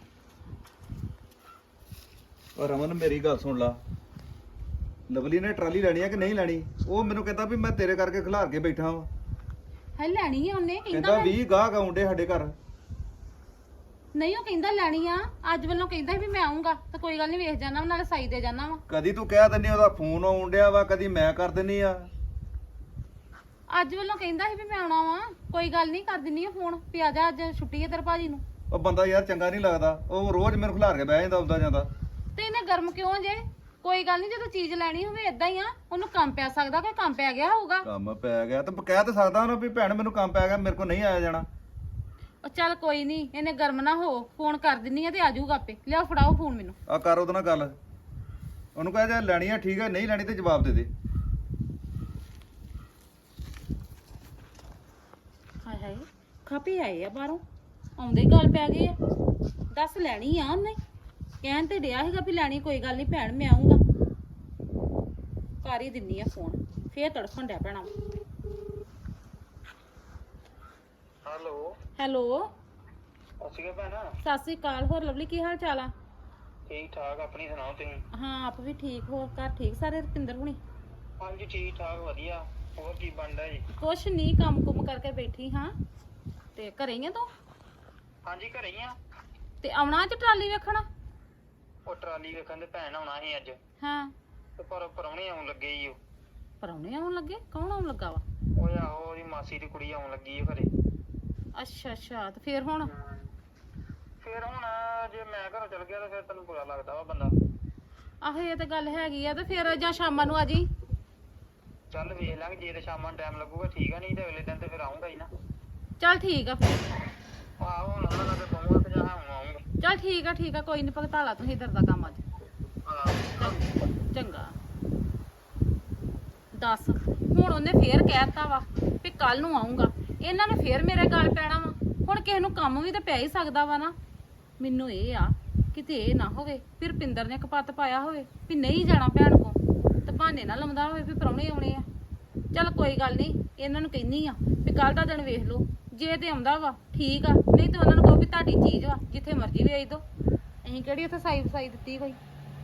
[SPEAKER 4] ਔਰ ਰਮਨ ਮੇਰੀ ਗੱਲ ਸੁਣ ਲਾ, ਲਵਲੀ ਨੇ ਟਰਾਲੀ ਲੈਣੀ ਆ ਕਿ ਨਹੀਂ ਲੈਣੀ? ਉਹ ਮੈਨੂੰ ਕਹਿੰਦਾ ਵੀ ਮੈਂ ਤੇਰੇ ਕਰਕੇ ਖਿਲਾਰ ਕੇ ਬੈਠਾ ਵਾਂ।
[SPEAKER 5] ਹੈ ਲੈਣੀ ਆ ਉਹਨੇ,
[SPEAKER 4] ਕਹਿੰਦਾ 20 ਗਾਹਕ ਆਉਂਦੇ ਸਾਡੇ ਘਰ।
[SPEAKER 5] ਨਹੀਂ ਉਹ ਕਹਿੰਦਾ ਲੈਣੀ ਆ, ਅੱਜ ਵੱਲੋਂ ਕਹਿੰਦਾ ਸੀ ਵੀ ਮੈਂ ਆਉਂਗਾ, ਤਾਂ ਕੋਈ ਗੱਲ ਨਹੀਂ, ਵੇਖ ਜਾਣਾ ਨਾਲੇ ਸਾਈ ਦੇ ਜਾਣਾ ਵਾ।
[SPEAKER 4] ਕਦੀ ਤੂੰ ਕਹਿ ਦਿੰਨੀ ਉਹਦਾ ਫੋਨ ਆਉਣ ਡਿਆ ਵਾ, ਕਦੀ ਮੈਂ ਕਰ ਦਿੰਨੀ ਆ।
[SPEAKER 5] ਅੱਜ ਵੱਲੋਂ ਕਹਿੰਦਾ ਸੀ ਵੀ ਮੈਂ ਆਉਣਾ ਵਾ, ਕੋਈ ਗੱਲ ਨਹੀਂ, ਕਰ ਦਿੰਨੀ ਆ ਫੋਨ ਵੀ ਆ ਜਾ, ਅੱਜ ਛੁੱਟੀ ਹੈ ਤੇਰੇ ਭਾਜੀ ਨੂੰ।
[SPEAKER 4] ਉਹ ਬੰਦਾ ਯਾਰ ਚੰਗਾ ਨਹੀਂ ਲੱਗਦਾ, ਉਹ ਰੋਜ਼ ਮੈਨੂੰ ਖਿਲਾਰ ਕੇ ਬਹਿ ਜਾਂਦਾ ਆਉਂਦਾ ਜਾਂਦਾ।
[SPEAKER 5] ਤੇ ਇਹਨੇ ਗਰਮ ਕਿਉਂ ਜੇ? ਕੋਈ ਗੱਲ ਨਹੀਂ, ਜਦੋਂ ਚੀਜ਼ ਲੈਣੀ ਹੋਵੇ ਇਦਾਂ ਹੀ ਆ, ਉਹਨੂੰ ਕੰਮ ਪੈ ਸਕਦਾ, ਕੋਈ ਕੰਮ ਪੈ ਗਿਆ ਹੋਊਗਾ।
[SPEAKER 4] ਕੰਮ ਪੈ ਗਿਆ ਤੇ ਕਹਿ ਤਾਂ ਸਕਦਾ ਉਹਨੂੰ ਵੀ ਭੈਣ ਮੈਨੂੰ ਕੰਮ ਪੈ ਗਿਆ, ਮੇਰੇ ਕੋਲ ਨਹੀਂ ਆਇਆ ਜਾਣਾ।
[SPEAKER 5] ਉਹ ਚੱਲ ਕੋਈ ਨਹੀਂ, ਇਹਨੇ ਗਰਮ ਨਾ ਹੋ, ਫੋਨ ਕਰ ਦਿੰਨੀ ਆ ਤੇ ਆ ਜਾਊਗਾ ਆਪੇ। ਲਿਆਓ ਫੜਾਓ ਫੋਨ ਮੈਨੂੰ।
[SPEAKER 4] ਆ ਕਰ ਉਹਦੇ ਨਾਲ ਗੱਲ, ਉਹਨੂੰ ਕਹਿ ਜੇ ਲੈਣੀ ਆ ਠੀਕ ਹੈ, ਨਹੀਂ ਲੈਣੀ ਤੇ ਜਵਾਬ ਦੇ ਦੇ।
[SPEAKER 5] ਹਾਏ ਹਾਏ, ਖਾਪੀ ਆਏ ਆ ਬਾਹਰੋਂ, ਆਉਂਦੇ ਹੀ ਗੱਲ ਪੈ ਗਈ ਆ। ਦੱਸ ਲੈਣੀ ਆ ਉਹਨੇ, ਕਹਿਣ ਤੇ ਡਿਆ ਸੀਗਾ ਵੀ ਲੈਣੀ, ਕੋਈ ਗੱਲ ਨਹੀਂ ਭੈਣ ਮੈਂ ਆਉਂਗਾ। ਕਰ ਹੀ ਦਿੰਨੀ ਆ ਫੋਨ, ਫੇਰ ਤੜਫਣ ਡਿਆ ਪੈਣਾ।
[SPEAKER 3] ਹੈਲੋ
[SPEAKER 5] ਹੈਲੋ,
[SPEAKER 3] ਅਸੀਂ ਭੈਣਾ,
[SPEAKER 5] ਸਤਿ ਸ੍ਰੀ ਅਕਾਲ। ਹੋਰ ਲਵਲੀ, ਕੀ ਹਾਲ ਚਾਲ ਆ?
[SPEAKER 3] ਠੀਕ ਠਾਕ, ਆਪਣੀ ਸੁਣਾਓ ਤੁਸੀਂ?
[SPEAKER 5] ਹਾਂ ਆਪ ਵੀ ਠੀਕ। ਹੋਰ ਘਰ ਠੀਕ ਸਾਰੇ, ਰੁਪਿੰਦਰ ਹੁਣੀ?
[SPEAKER 3] ਹਾਂਜੀ ਠੀਕ ਠਾਕ, ਵਧੀਆ। ਹੋਰ ਕੀ ਬਣਦਾ ਜੀ?
[SPEAKER 5] ਕੁਛ ਨਹੀਂ, ਕੰਮ ਕੁਮ ਕਰਕੇ ਬੈਠੀ ਹਾਂ। ਤੇ ਘਰੇ ਹੀ ਆ ਤੂੰ?
[SPEAKER 3] ਹਾਂਜੀ ਘਰੇ ਹੀ ਆ।
[SPEAKER 5] ਤੇ ਆਉਣਾ ਅੱਜ ਟਰਾਲੀ ਵੇਖਣ?
[SPEAKER 3] ਉਹ ਟਰਾਲੀ ਵੇਖਣ ਦੇ ਭੈਣ ਆਉਣਾ ਸੀ ਅੱਜ,
[SPEAKER 5] ਹਾਂ,
[SPEAKER 3] ਤੇ ਪਰ ਪਰੌਣੇ ਆਉਣ ਲੱਗੇ ਹੀ।
[SPEAKER 5] ਪਰਾਉਣੇ ਆਉਣ ਲੱਗੇ? ਕੌਣ ਆਉਣ ਲੱਗਾ ਵਾ?
[SPEAKER 3] ਉਹ ਆਹੋ ਉਹਦੀ ਮਾਸੀ ਦੀ ਕੁੜੀ ਆਉਣ ਲੱਗੀ ਹੈ ਘਰੇ।
[SPEAKER 5] ਅੱਛਾ ਅੱਛਾ, ਤੇ ਫੇਰ ਹੁਣ?
[SPEAKER 3] ਫਿਰ ਹੁਣ ਜੇ ਮੈਂ ਘਰੋਂ ਚਲ ਗਿਆ ਤਾਂ ਫਿਰ ਤੈਨੂੰ ਬੁਰਾ ਲੱਗਦਾ ਵਾ ਬੰਦਾ।
[SPEAKER 5] ਆਹੋ ਇਹ ਤਾਂ ਗੱਲ ਹੈਗੀ ਆ। ਤੇ ਫੇਰ ਜਾਂ ਸ਼ਾਮਾਂ ਨੂੰ ਆ ਜੀ।
[SPEAKER 3] ਚੱਲ ਵੇਖ ਲਾਂਗੇ, ਜੇ ਤੇ ਸ਼ਾਮਾਂ ਨੂੰ ਟਾਈਮ ਲੱਗੂਗਾ ਠੀਕ ਆ, ਨਹੀਂ ਤੇ ਅਗਲੇ ਦਿਨ ਤੇ ਫਿਰ ਆਉਂਗਾ ਹੀ ਨਾ।
[SPEAKER 5] ਚੱਲ ਠੀਕ ਆ ਫਿਰ।
[SPEAKER 3] ਆਹੋ ਹੁਣ ਉਹਨਾਂ ਨਾਲ ਤੇ ਕਹੂੰਗਾ ਕਿ ਜਾਂ ਹੁਣ ਆਉਂਗਾ।
[SPEAKER 5] ਚੱਲ ਠੀਕ ਆ ਠੀਕ ਆ, ਕੋਈ ਨਹੀਂ, ਭਗਤਾਲਾ ਤੁਸੀਂ ਇਧਰ ਦਾ ਕੰਮ ਅੱਜ। ਚੰਗਾ। ਦੱਸ, ਹੁਣ ਉਹਨੇ ਫੇਰ ਕਹਿਤਾ ਵਾ ਵੀ ਕੱਲ ਨੂੰ ਆਉਂਗਾ। ਇਹਨਾਂ ਨੇ ਫੇਰ ਮੇਰੇ ਗੱਲ ਪੈਣਾ ਵਾ। ਹੁਣ ਕਿਸੇ ਨੂੰ ਕੰਮ ਵੀ ਤਾਂ ਪੈ ਹੀ ਸਕਦਾ ਵਾ ਨਾ। ਮੈਨੂੰ ਇਹ ਆ ਕਿਤੇ ਇਹ ਨਾ ਹੋਵੇ ਫਿਰ ਪਿੰਦਰ ਨੇ ਕਪੱਤ ਪਾਇਆ ਹੋਵੇ ਵੀ ਨਹੀਂ ਜਾਣਾ ਭੈਣ ਕੋ ਤੇ ਬਹਾਨੇ ਨਾਲ ਲਾਉਂਦਾ ਹੋਵੇ ਵੀ ਪ੍ਰਾਹੁਣੇ ਆਉਣੇ ਆ। ਚੱਲ ਕੋਈ ਗੱਲ ਨਹੀਂ, ਇਹਨਾਂ ਨੂੰ ਕਹਿੰਨੀ ਆ ਵੀ ਕੱਲ ਦਾ ਦਿਨ ਵੇਖ ਲਓ, ਜੇ ਤੇ ਆਉਂਦਾ ਵਾ ਠੀਕ ਆ, ਨਹੀਂ ਤੇ ਉਹਨਾਂ ਨੂੰ ਕਹੋ ਵੀ ਤੁਹਾਡੀ ਚੀਜ਼ ਵਾ ਜਿੱਥੇ ਮਰਜ਼ੀ ਵੇਚ ਦਿਓ, ਅਸੀਂ ਕਿਹੜੀ ਉੱਥੇ ਸਾਈ ਦਿੱਤੀ ਕੋਈ।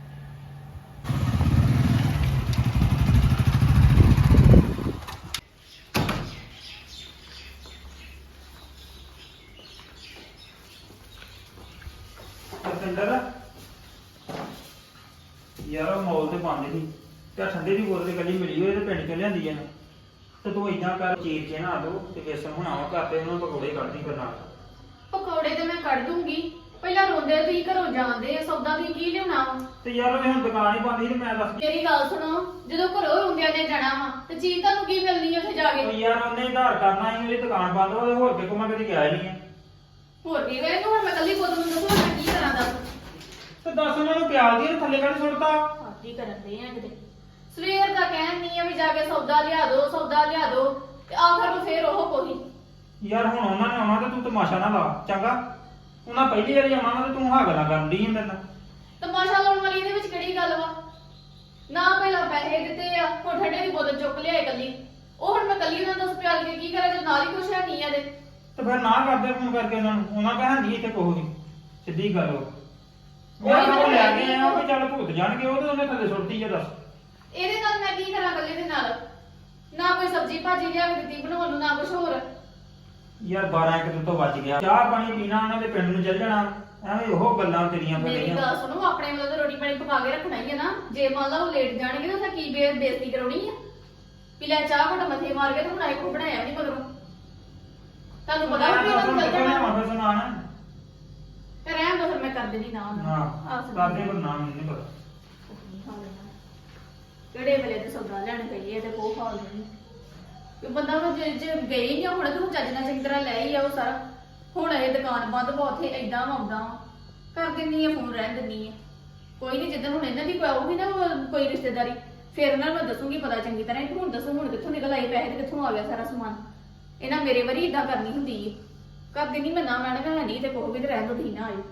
[SPEAKER 3] ਸਿੰਦਰ ਯਾਰ ਉਹ ਮੌਲ ਤੇ ਬੰਦ ਸੀ ਤੇ ਆਹ ਠੰਡੇ ਦੀ ਬੋਤਲ ਕੱਲੀ ਮਿਲੀ ਹੋਈ ਤੇ ਪਿੰਡ ਚੋਂ ਲਿਆਂਦੀ ਆ ਤੇ ਤੂੰ ਇਦਾਂ ਕਰ ਚੀਰ ਕੇ ਨਾ ਦੋ ਤੇ ਬੇਸਣ ਬਣਾਵਾ ਘਰ ਤੇ ਉਹਨਾਂ ਪਕੌੜੇ ਕੱਢਦੀ ਫਿਰ ਨਾਲ।
[SPEAKER 2] ਪਕੌੜੇ ਤੇ ਮੈਂ ਕੱਢ ਦੂੰਗੀ, ਪਹਿਲਾਂ ਰੋਂਦੇ ਤੁਸੀਂ ਘਰੋਂ ਜਾਂਦੇ ਆ, ਸੌਦਾ ਤੁਸੀਂ ਕੀ ਲਿਆਉਣਾ ਵਾ?
[SPEAKER 3] ਤੇ ਯਾਰ ਉਹ ਹੁਣ ਦੁਕਾਨ ਹੀ ਬੰਦ ਸੀ ਤੇ ਮੈਂ ਦੱਸ
[SPEAKER 2] ਮੇਰੀ ਗੱਲ ਸੁਣੋ, ਜਦੋਂ ਘਰੋਂ ਰੋਂਦਿਆਂ ਨੇ ਜਾਣਾ ਵਾ ਤੇ ਚੀਜ਼ ਤੁਹਾਨੂੰ ਕੀ ਮਿਲਣੀ ਉੱਥੇ ਜਾ
[SPEAKER 3] ਉਹ
[SPEAKER 2] ਕੇ?
[SPEAKER 3] ਯਾਰ ਉਹਨੇ ਆਧਾਰ ਕਰਨਾ ਸੀ, ਮੇਰੀ ਦੁਕਾਨ ਬੰਦ ਵਾ ਤੇ ਹੋਰ ਕਿਤੇ ਮੈਂ ਕਦੀ ਗਿਆ ਹੀ ਨਹੀਂ ਆ।
[SPEAKER 2] ਹੋਰ ਕੀ ਵੇ, ਹੁਣ ਮੈਂ ਕੱਲੀ ਬੋਤਲ ਨੂੰ ਦੱਸੋ ਮੈਂ ਕੀ ਕਰਾਂ ਦੱਸ?
[SPEAKER 3] ਤੇ ਦੱਸ ਉਹਨਾਂ ਨੂੰ ਪਿਆਲ ਦੀ ਥੱਲੇ ਕੱਢ ਸੁੱਟਤਾ।
[SPEAKER 2] ਆਦੀ ਕਰਨ ਦੇ ਆ ਕਿਤੇ ਸਵੇਰ ਦਾ ਕਹਿਣ ਨਹੀਂ ਆ ਵੀ ਜਾ ਕੇ ਸੌਦਾ ਲਿਆ ਦੋ ਤੇ ਆਖਰ ਨੂੰ ਫੇਰ ਉਹ ਕੋਈ।
[SPEAKER 3] ਯਾਰ ਹੁਣ ਉਹਨਾਂ ਨੇ ਆਉਣਾ ਤੇ ਤੂੰ ਤਮਾਸ਼ਾ ਨਾ ਲਾ ਚੰਗਾ। ਉਹਨਾਂ ਪਹਿਲੀ ਵਾਰੀ ਆਉਣਾ ਵਾ ਤੇ ਤੂੰ ਹਾਂ ਗੱਲਾਂ ਕਰਨ ਦੀ ਮੇਰੇ ਨਾਲ।
[SPEAKER 2] ਤਮਾਸ਼ਾ ਲਾਉਣ ਵਾਲੀ ਇਹਦੇ ਵਿੱਚ ਕਿਹੜੀ ਗੱਲ ਵਾ? ਨਾ ਪਹਿਲਾਂ ਪੈਸੇ ਦਿੱਤੇ ਆ, ਹੁਣ ਠੰਡੇ ਦੀ ਬੋਤਲ ਚੁੱਕ ਲਿਆਏ ਕੱਲੀ। ਉਹ ਹੁਣ ਮੈਂ ਕੱਲੀ ਉਹਨਾਂ ਨੂੰ ਪਿਆਲ ਕੇ ਕੀ ਕਰਾਂ ਜੇ ਨਾਲ ਹੀ ਕੁਛ ਹੈ ਨਹੀਂ ਆ ਦੇ।
[SPEAKER 3] ਤੇ ਫਿਰ ਨਾ ਕਰਦੇ ਫੋਨ ਕਰਕੇ ਉਹਨਾਂ ਨੂੰ, ਉਹਨਾਂ ਕਹਿ ਨਹੀਂ ਇੱਥੇ ਕੋਈ ਨਹੀਂ, ਸਿੱਧੀ ਗੱਲ ਉਹ ਯਾਰ ਉਹ ਲੈ ਕੇ ਆਇਆ ਵੀ ਚੱਲ ਭੂਤ ਜਾਣਗੇ, ਉਹ ਤੇ ਉਹਨੇ ਥੱਲੇ ਸੁੱਟਤੀ ਆ। ਦੱਸ
[SPEAKER 2] ਇਹਦੇ ਨਾਲ ਮੈਂ ਕੀ ਕਰਾਂ ਕੱਲੇ ਦੇ ਨਾਲ? ਨਾ ਕੋਈ ਸਬਜ਼ੀ ਭਾਜੀ ਲਿਆ ਕੇ ਦਿੱਤੀ ਬਣਾਉਣ ਨੂੰ, ਨਾ ਕੁਛ ਹੋਰ।
[SPEAKER 3] ਯਾਰ 12 ਇੱਕ ਤੋਂ ਵੱਜ ਗਿਆ, ਚਾਹ ਪਾਣੀ ਪੀਣਾ ਉਹਨਾਂ ਦੇ ਪਿੰਡ ਨੂੰ ਚੱਲ ਜਾਣਾ, ਐਵੇਂ ਉਹ ਗੱਲਾਂ ਤੇਰੀਆਂ ਫਿਰ
[SPEAKER 2] ਮੇਰੀ
[SPEAKER 3] ਰਹੀਆਂ।
[SPEAKER 2] ਗੱਲ ਸੁਣੋ, ਆਪਣੇ ਵੱਲੋਂ ਤਾਂ ਰੋਟੀ ਪਾਣੀ ਪਕਾ ਕੇ ਰੱਖਣਾ ਹੀ ਹੈ ਨਾ। ਜੇ ਮੰਨ ਲਾ ਉਹ ਲੇਟ ਜਾਣਗੇ ਤਾਂ ਉੱਥੇ ਕੀ ਬੇਇੱਜ਼ਤੀ ਕਰਾਉਣੀ ਆ? ਵੀ ਲੈ ਚਾਹ ਘਟ ਮੱਥੇ ਮਾਰ ਕੇ ਤੇ ਬਣਾਏ ਕੋ ਬਣਾਇਆ ਨਹੀਂ ਮਗਰੋਂ। ਤੁਹਾਨੂੰ ਪਤਾ ਵੀ ਉਹਨਾਂ ਨੂੰ ਚੱਲ ਜਾਣਾ
[SPEAKER 3] ਫਿਰ ਸੁਣਾਣਾ
[SPEAKER 2] ਤੇ ਰਹਿਣ ਦੋ, ਫਿਰ ਮੈਂ ਕਰ ਦੇਣੀ ਨਾ ਉਹਨਾਂ ਨੂੰ।
[SPEAKER 3] ਹਾਂ ਕਰਦੇ ਪਰ ਨਾਮ ਨਹੀਂ ਪਤਾ।
[SPEAKER 2] ਕਿਹੜੇ ਵੇਲੇ ਤੇ ਸੌਦਾ ਲੈਣ ਗਈ ਹੈ ਤੇ ਕੋਹ ਖਾ ਲੈਣੀ ਕਿ ਬੰਦਾ ਉਹ ਜੇ ਗਈ ਨਹੀਂ ਹੁਣ ਤੇ ਹੁਣ ਚੱਜ ਨਾਲ ਚੰਗੀ ਤਰ੍ਹਾਂ ਲੈ ਹੀ ਆਓ ਸਾਰਾ। ਹੁਣ ਇਹ ਦੁਕਾਨ ਬੰਦ ਵਾ, ਉੱਥੇ ਏਦਾਂ ਆਉਂਦਾ ਕਰ ਦਿੰਨੀ ਆ, ਫੋਨ ਰਹਿਣ ਦਿੰਨੀ ਆ। ਕੋਈ ਨਹੀਂ, ਜਿੱਦਾਂ ਹੁਣ ਇਹਨਾਂ ਦੀ ਆਊਗੀ ਨਾ ਕੋਈ ਰਿਸ਼ਤੇਦਾਰੀ, ਫਿਰ ਉਹਨਾਂ ਨੂੰ ਮੈਂ ਦੱਸੂਗੀ ਪਤਾ ਚੰਗੀ ਤਰ੍ਹਾਂ। ਹੁਣ ਦੱਸੋ ਹੁਣ ਕਿੱਥੋਂ ਨਿਕਲ ਆਏ ਪੈਸੇ ਤੇ ਕਿੱਥੋਂ ਆ ਗਿਆ ਸਾਰਾ ਸਮਾਨ? ਇਹਨਾਂ ਮੇਰੇ ਵਾਰੀ ਇਦਾਂ ਕਰਨੀ ਹੁੰਦੀ ਹੈ। ਕਰ ਦਿੰਨੀ ਮੈਂ, ਨਾ ਮੈਂ ਕਿਹਾ ਨਹੀਂ ਤੇ ਕੋਹ ਵੀ ਤੇ ਰਹਿਣ ਦੋ, ਠੀਕ ਨਾ ਆਇਓ।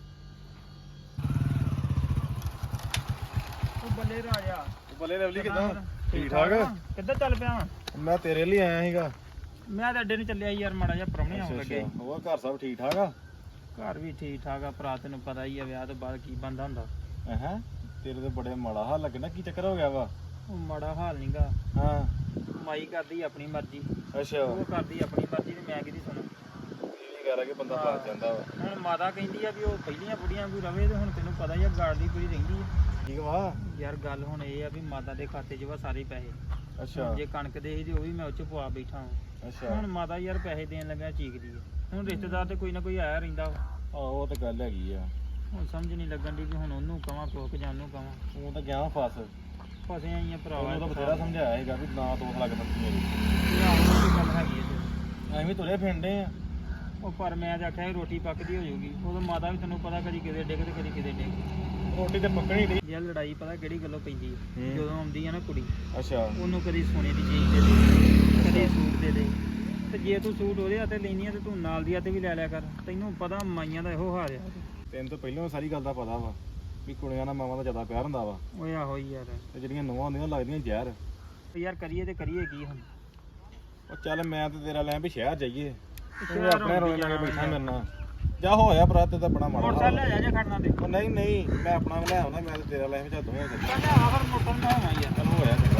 [SPEAKER 3] ਬੱਲੇ ਰਾਜਾ
[SPEAKER 4] ਬੱਲੇ ਲਵਲੀ ਕਿਦਾਂ? ਠੀਕ ਠਾਕ?
[SPEAKER 3] ਕਿੱਧਰ ਚੱਲ ਪਿਆ?
[SPEAKER 4] ਮੈਂ ਤੇਰੇ ਲਈ ਆਇਆ ਸੀਗਾ।
[SPEAKER 3] ਮੈਂ ਤਾਂ ਅੱਡੇ ਨੂੰ ਚੱਲਿਆ ਯਾਰ, ਮਾੜਾ ਜਿਹਾ ਪ੍ਰਾਹੁਣੇ ਆਉਣ ਲੱਗੇ।
[SPEAKER 4] ਹੋਰ ਘਰ ਸਭ ਠੀਕ ਠਾਕ ਆ?
[SPEAKER 3] ਘਰ ਵੀ ਠੀਕ ਠਾਕ ਆ ਭਰਾ, ਤੈਨੂੰ ਪਤਾ ਹੀ ਆ ਵਿਆਹ ਤੋਂ ਬਾਅਦ ਕੀ ਬੰਦਾ ਹੁੰਦਾ।
[SPEAKER 4] ਹੈ ਤੇਰੇ ਤੇ ਬੜੇ ਮਾੜਾ ਹਾਲ ਲੱਗਣਾ, ਕੀ ਚੱਕਰ ਹੋ ਗਿਆ ਵਾ?
[SPEAKER 3] ਉਹ ਮਾੜਾ ਹਾਲ ਨਹੀਂਗਾ,
[SPEAKER 4] ਹਾਂ
[SPEAKER 3] ਮਾਈ ਕਰਦੀ ਆਪਣੀ ਮਰਜ਼ੀ,
[SPEAKER 4] ਅੱਛਾ
[SPEAKER 3] ਉਹ ਕਰਦੀ ਆਪਣੀ ਮਰਜ਼ੀ ਤੇ ਮੈਂ ਕਿਹਦੀ ਸੁਣਾ।
[SPEAKER 4] ਇਹ ਗੱਲ ਆ ਕਿ ਬੰਦਾ ਫਸ ਜਾਂਦਾ ਵਾ।
[SPEAKER 3] ਹੁਣ ਮਾਤਾ ਕਹਿੰਦੀ ਆ ਵੀ ਉਹ ਪਹਿਲੀਆਂ ਬੁੜੀਆਂ ਕੋਈ ਰਵੇ, ਤੇ ਹੁਣ ਤੈਨੂੰ ਪਤਾ ਹੀ ਆ ਗਾੜ ਦੀ ਪੂਰੀ ਰਹਿੰਦੀ ਆ।
[SPEAKER 4] ਠੀਕ ਵਾ।
[SPEAKER 3] ਯਾਰ ਗੱਲ ਹੁਣ ਇਹ ਆ ਵੀ ਮਾਤਾ ਦੇ ਖਾਤੇ 'ਚ ਵਾ ਸਾਰੇ ਪੈਸੇ।
[SPEAKER 4] ਅੱਛਾ
[SPEAKER 3] ਜੇ ਕਣਕ ਦੇ ਸੀ ਤੇ ਉਹ ਵੀ ਮੈਂ ਉਹ 'ਚ ਪਵਾ ਬੈਠਾ ਹਾਂ।
[SPEAKER 4] ਅੱਛਾ
[SPEAKER 3] ਹੁਣ ਮਾਤਾ ਯਾਰ ਪੈਸੇ ਦੇਣ ਲੱਗਾ ਚੀਕਦੀ ਆ। ਹੁਣ ਰਿਸ਼ਤੇਦਾਰ ਤੇ ਕੋਈ ਨਾ ਕੋਈ ਆਇਆ ਰਹਿੰਦਾ ਵਾ।
[SPEAKER 4] ਆਹੋ ਉਹ ਤਾਂ ਗੱਲ ਹੈਗੀ ਆ।
[SPEAKER 3] ਹੁਣ ਸਮਝ ਨਹੀਂ ਲੱਗਣ ਦੀ ਵੀ ਹੁਣ ਉਹਨੂੰ ਕਵਾਂ ਕੋਕ ਜਾਂ ਉਹਨੂੰ ਕਵਾਂ।
[SPEAKER 4] ਉਹ ਤਾਂ ਗਿਆ ਫਸ।
[SPEAKER 3] ਫਸੇ ਆਈਆਂ ਭਰਾਵਾ।
[SPEAKER 4] ਉਹਨੂੰ ਤਾਂ ਬਥੇਰਾ ਸਮਝਾਇਆ ਸੀਗਾ ਵੀ ਨਾ ਤੋਸ ਲੱਗ ਬੰਦੀ ਮੇਰੀ।
[SPEAKER 3] ਇਹ ਗੱਲ ਹੈਗੀ ਆ ਤੇ।
[SPEAKER 4] ਐਵੇਂ ਤੁਰੇ ਫਿਰਦੇ ਆ।
[SPEAKER 3] ਉਹ ਪਰ ਮੈਂ ਤਾਂ ਆਖਿਆ ਸੀ ਰੋਟੀ ਪੱਕਦੀ ਹੋ ਜਾਊਗੀ। ਉਦੋਂ ਮਾਤਾ ਵੀ ਤੈਨੂੰ ਪਤਾ ਕਦੀ ਕਿਤੇ ਡਿੱਗ ਤੇ ਕਦੀ ਕਿਤੇ ਡਿੱਗ।
[SPEAKER 4] ਰੋਟੀ ਤੇ ਪੱਕਣੀ ਨਹੀਂ।
[SPEAKER 3] ਯਾਰ ਲੜਾਈ ਪਤਾ ਕਿਹੜੀ ਗੱਲੋਂ ਪੈਂਦੀ ਹੈ?
[SPEAKER 4] ਹੂੰ।
[SPEAKER 3] ਜਦੋਂ ਆਉਂਦੀ ਆ ਨਾ ਕੁੜੀ,
[SPEAKER 4] ਅੱਛਾ
[SPEAKER 3] ਉਹਨੂੰ ਕਦੀ ਸੋਨੇ ਦੀ ਚੀਜ਼ ਦੇ ਦੇ, ਕਦੀ ਸੂਟ ਦੇ ਦੇ। ਤੇ ਜੇ ਤੂੰ ਸੂਟ ਉਹਦੇ ਹੱਥੇ ਲੈਣੀ ਆ ਤੇ ਤੂੰ ਨਾਲ ਦੀ ਹੱਥੇ ਵੀ ਲੈ ਲਿਆ ਕਰ। ਤੈਨੂੰ ਪਤਾ ਮਾਈਆਂ ਦਾ ਇਹੋ ਹਾਲ ਆ।
[SPEAKER 4] ਤੈਨੂੰ ਤਾਂ ਪਹਿਲਾਂ ਸਾਰੀ ਗੱਲ ਦਾ ਪਤਾ ਵਾ ਵੀ ਕੁੜੀਆਂ ਨਾਲ ਮਾਵਾਂ ਦਾ ਜ਼ਿਆਦਾ ਪਿਆਰ ਹੁੰਦਾ ਵਾ,
[SPEAKER 3] ਓਏ ਆਹੋ ਹੀ ਯਾਰ।
[SPEAKER 4] ਤੇ ਜਿਹੜੀਆਂ ਨੂੰਹਾਂ ਹੁੰਦੀਆਂ ਲੱਗਦੀਆਂ ਜ਼ਹਿਰ।
[SPEAKER 3] ਤੇ ਯਾਰ ਕਰੀਏ ਤੇ ਕਰੀਏ ਕੀ ਹੁਣ?
[SPEAKER 4] ਉਹ ਚੱਲ ਮੈਂ ਤੇ ਤੇਰਾ ਲੈ ਵੀ ਸ਼ਹਿਰ ਜਾਈਏ, ਤੂੰ
[SPEAKER 3] ਸ਼ਹਿਰ
[SPEAKER 4] ਆਪਣੇ ਰੋਲੇ ਲਾ ਕੇ
[SPEAKER 3] ਜਾਣਾ
[SPEAKER 4] ਬੈਠਾ ਮੇਰੇ ਨਾਲ। ਜਾ ਹੋਇਆ ਭਰਾ ਤੇ ਤਾਂ ਬੜਾ ਮਾੜਾ
[SPEAKER 3] ਮੋਟਰਸਾਈਕਲ
[SPEAKER 4] ਹਾਲ
[SPEAKER 3] ਲੈ ਜਾ ਜੇ ਖੜਨਾ ਤੇ।
[SPEAKER 4] ਉਹ ਨਹੀਂ ਨਹੀਂ ਮੈਂ ਆਪਣਾ ਲੈ ਆਉਣਾ, ਮੈਂ ਤੇ ਤੇਰਾ ਲੈ ਵੀ ਚੱਲ ਦੋਵੇਂ ਚੱਲ
[SPEAKER 3] ਕਹਿੰਦਾ ਆਖਰ ਮੋਟਰ ਨਾ ਹੋਣਾ ਯਾਰ।
[SPEAKER 4] ਚੱਲ ਹੋਇਆ ਤੇਰਾ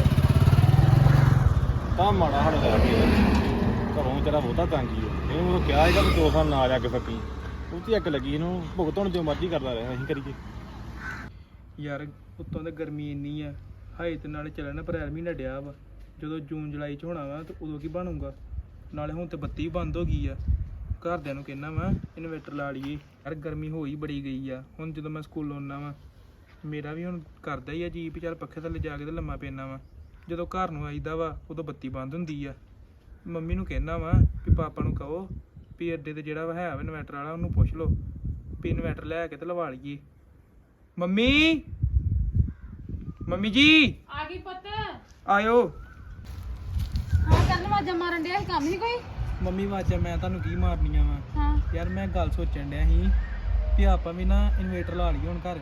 [SPEAKER 4] ਤਾਂ ਮਾੜਾ ਹਾਲ ਲੈ ਕੇ ਘਰੋਂ ਤੇਰਾ ਬਹੁਤਾ ਤੰਗੀ ਹੈ। ਇਹਨੂੰ ਉਹ ਕਿਹਾ ਸੀਗਾ ਵੀ 2 ਸਾਲ ਨਾ ਜਾ ਕੇ ਸਕੀ, ਉਹ ਤੇ ਅੱਗ ਲੱਗੀ ਇਹਨੂੰ। ਭੁਗਤਣ ਜੋ ਮਰਜ਼ੀ ਕਰਦਾ ਰਿਹਾ, ਅਸੀਂ ਕਰੀਏ।
[SPEAKER 6] ਯਾਰ ਉੱਤੋਂ ਤਾਂ ਗਰਮੀ ਇੰਨੀ ਆ, ਹਾਈ ਤੇ ਨਾਲੇ ਚੱਲਣਾ ਅਪ੍ਰੈਲ ਮਹੀਨਾ ਡਿਆ ਵਾ। ਜਦੋਂ ਜੂਨ ਜੁਲਾਈ ਚ ਹੋਣਾ ਵਾ ਤੇ ਉਦੋਂ ਕੀ ਬਣੂਗਾ? ਨਾਲੇ ਹੁਣ ਤੇ ਬੱਤੀ ਬੰਦ ਹੋ ਗਈ ਆ। ਘਰਦਿਆਂ ਨੂੰ ਕਹਿਣਾ ਵਾ ਇਨਵੇਟਰ ਲਾ ਲਈਏ। ਯਾਰ ਗਰਮੀ ਹੋ ਹੀ ਬੜੀ ਗਈ ਆ। ਹੁਣ ਜਦੋਂ ਮੈਂ ਸਕੂਲੋਂ ਆਉਣਾ ਵਾ, ਮੇਰਾ ਵੀ ਹੁਣ ਕਰਦਾ ਹੀ ਆ ਜੀ ਵੀ ਚੱਲ ਪੱਖੇ ਥੱਲੇ ਜਾ ਕੇ ਤੇ ਲੰਮਾ ਪੈਣਾ ਵਾ। ਜਦੋਂ ਘਰ ਨੂੰ ਆਈਦਾ ਵਾ ਉਦੋਂ ਬੱਤੀ ਬੰਦ ਹੁੰਦੀ ਆ। ਮੰਮੀ ਨੂੰ ਕਹਿਣਾ ਵਾ ਵੀ ਪਾਪਾ ਨੂੰ ਕਹੋ ਵੀ ਅੱਡੇ ਤੇ ਜਿਹੜਾ ਵਾ ਹੈ ਵਾ ਇਨਵੇਟਰ ਵਾਲਾ, ਉਹਨੂੰ ਪੁੱਛ ਲਓ ਵੀ ਇਨਵੇਟਰ ਲੈ ਕੇ ਤੇ ਲਵਾ ਲਈਏ। ਮੰਮੀ ਮੰਮੀ ਜੀ
[SPEAKER 5] ਆ ਗਈ ਪੁੱਤ?
[SPEAKER 6] ਆਇਓ।
[SPEAKER 5] ਹਾਂ ਕਰਨ ਵਾਜਾ ਮਾਰਨ ਡਿਆ ਸੀ, ਕੰਮ ਨਹੀਂ ਕੋਈ?
[SPEAKER 6] ਮੰਮੀ ਆਵਾਜ਼ਾਂ ਮੈਂ ਤੁਹਾਨੂੰ ਕੀ ਮਾਰਨੀਆਂ ਵਾ?
[SPEAKER 5] ਹਾਂ
[SPEAKER 6] ਯਾਰ ਮੈਂ ਗੱਲ ਸੋਚਣ ਡਿਆ ਸੀ ਵੀ ਆਪਾਂ ਵੀ ਨਾ ਇਨਵੇਟਰ ਲਾ ਲਈਏ ਹੁਣ ਘਰ।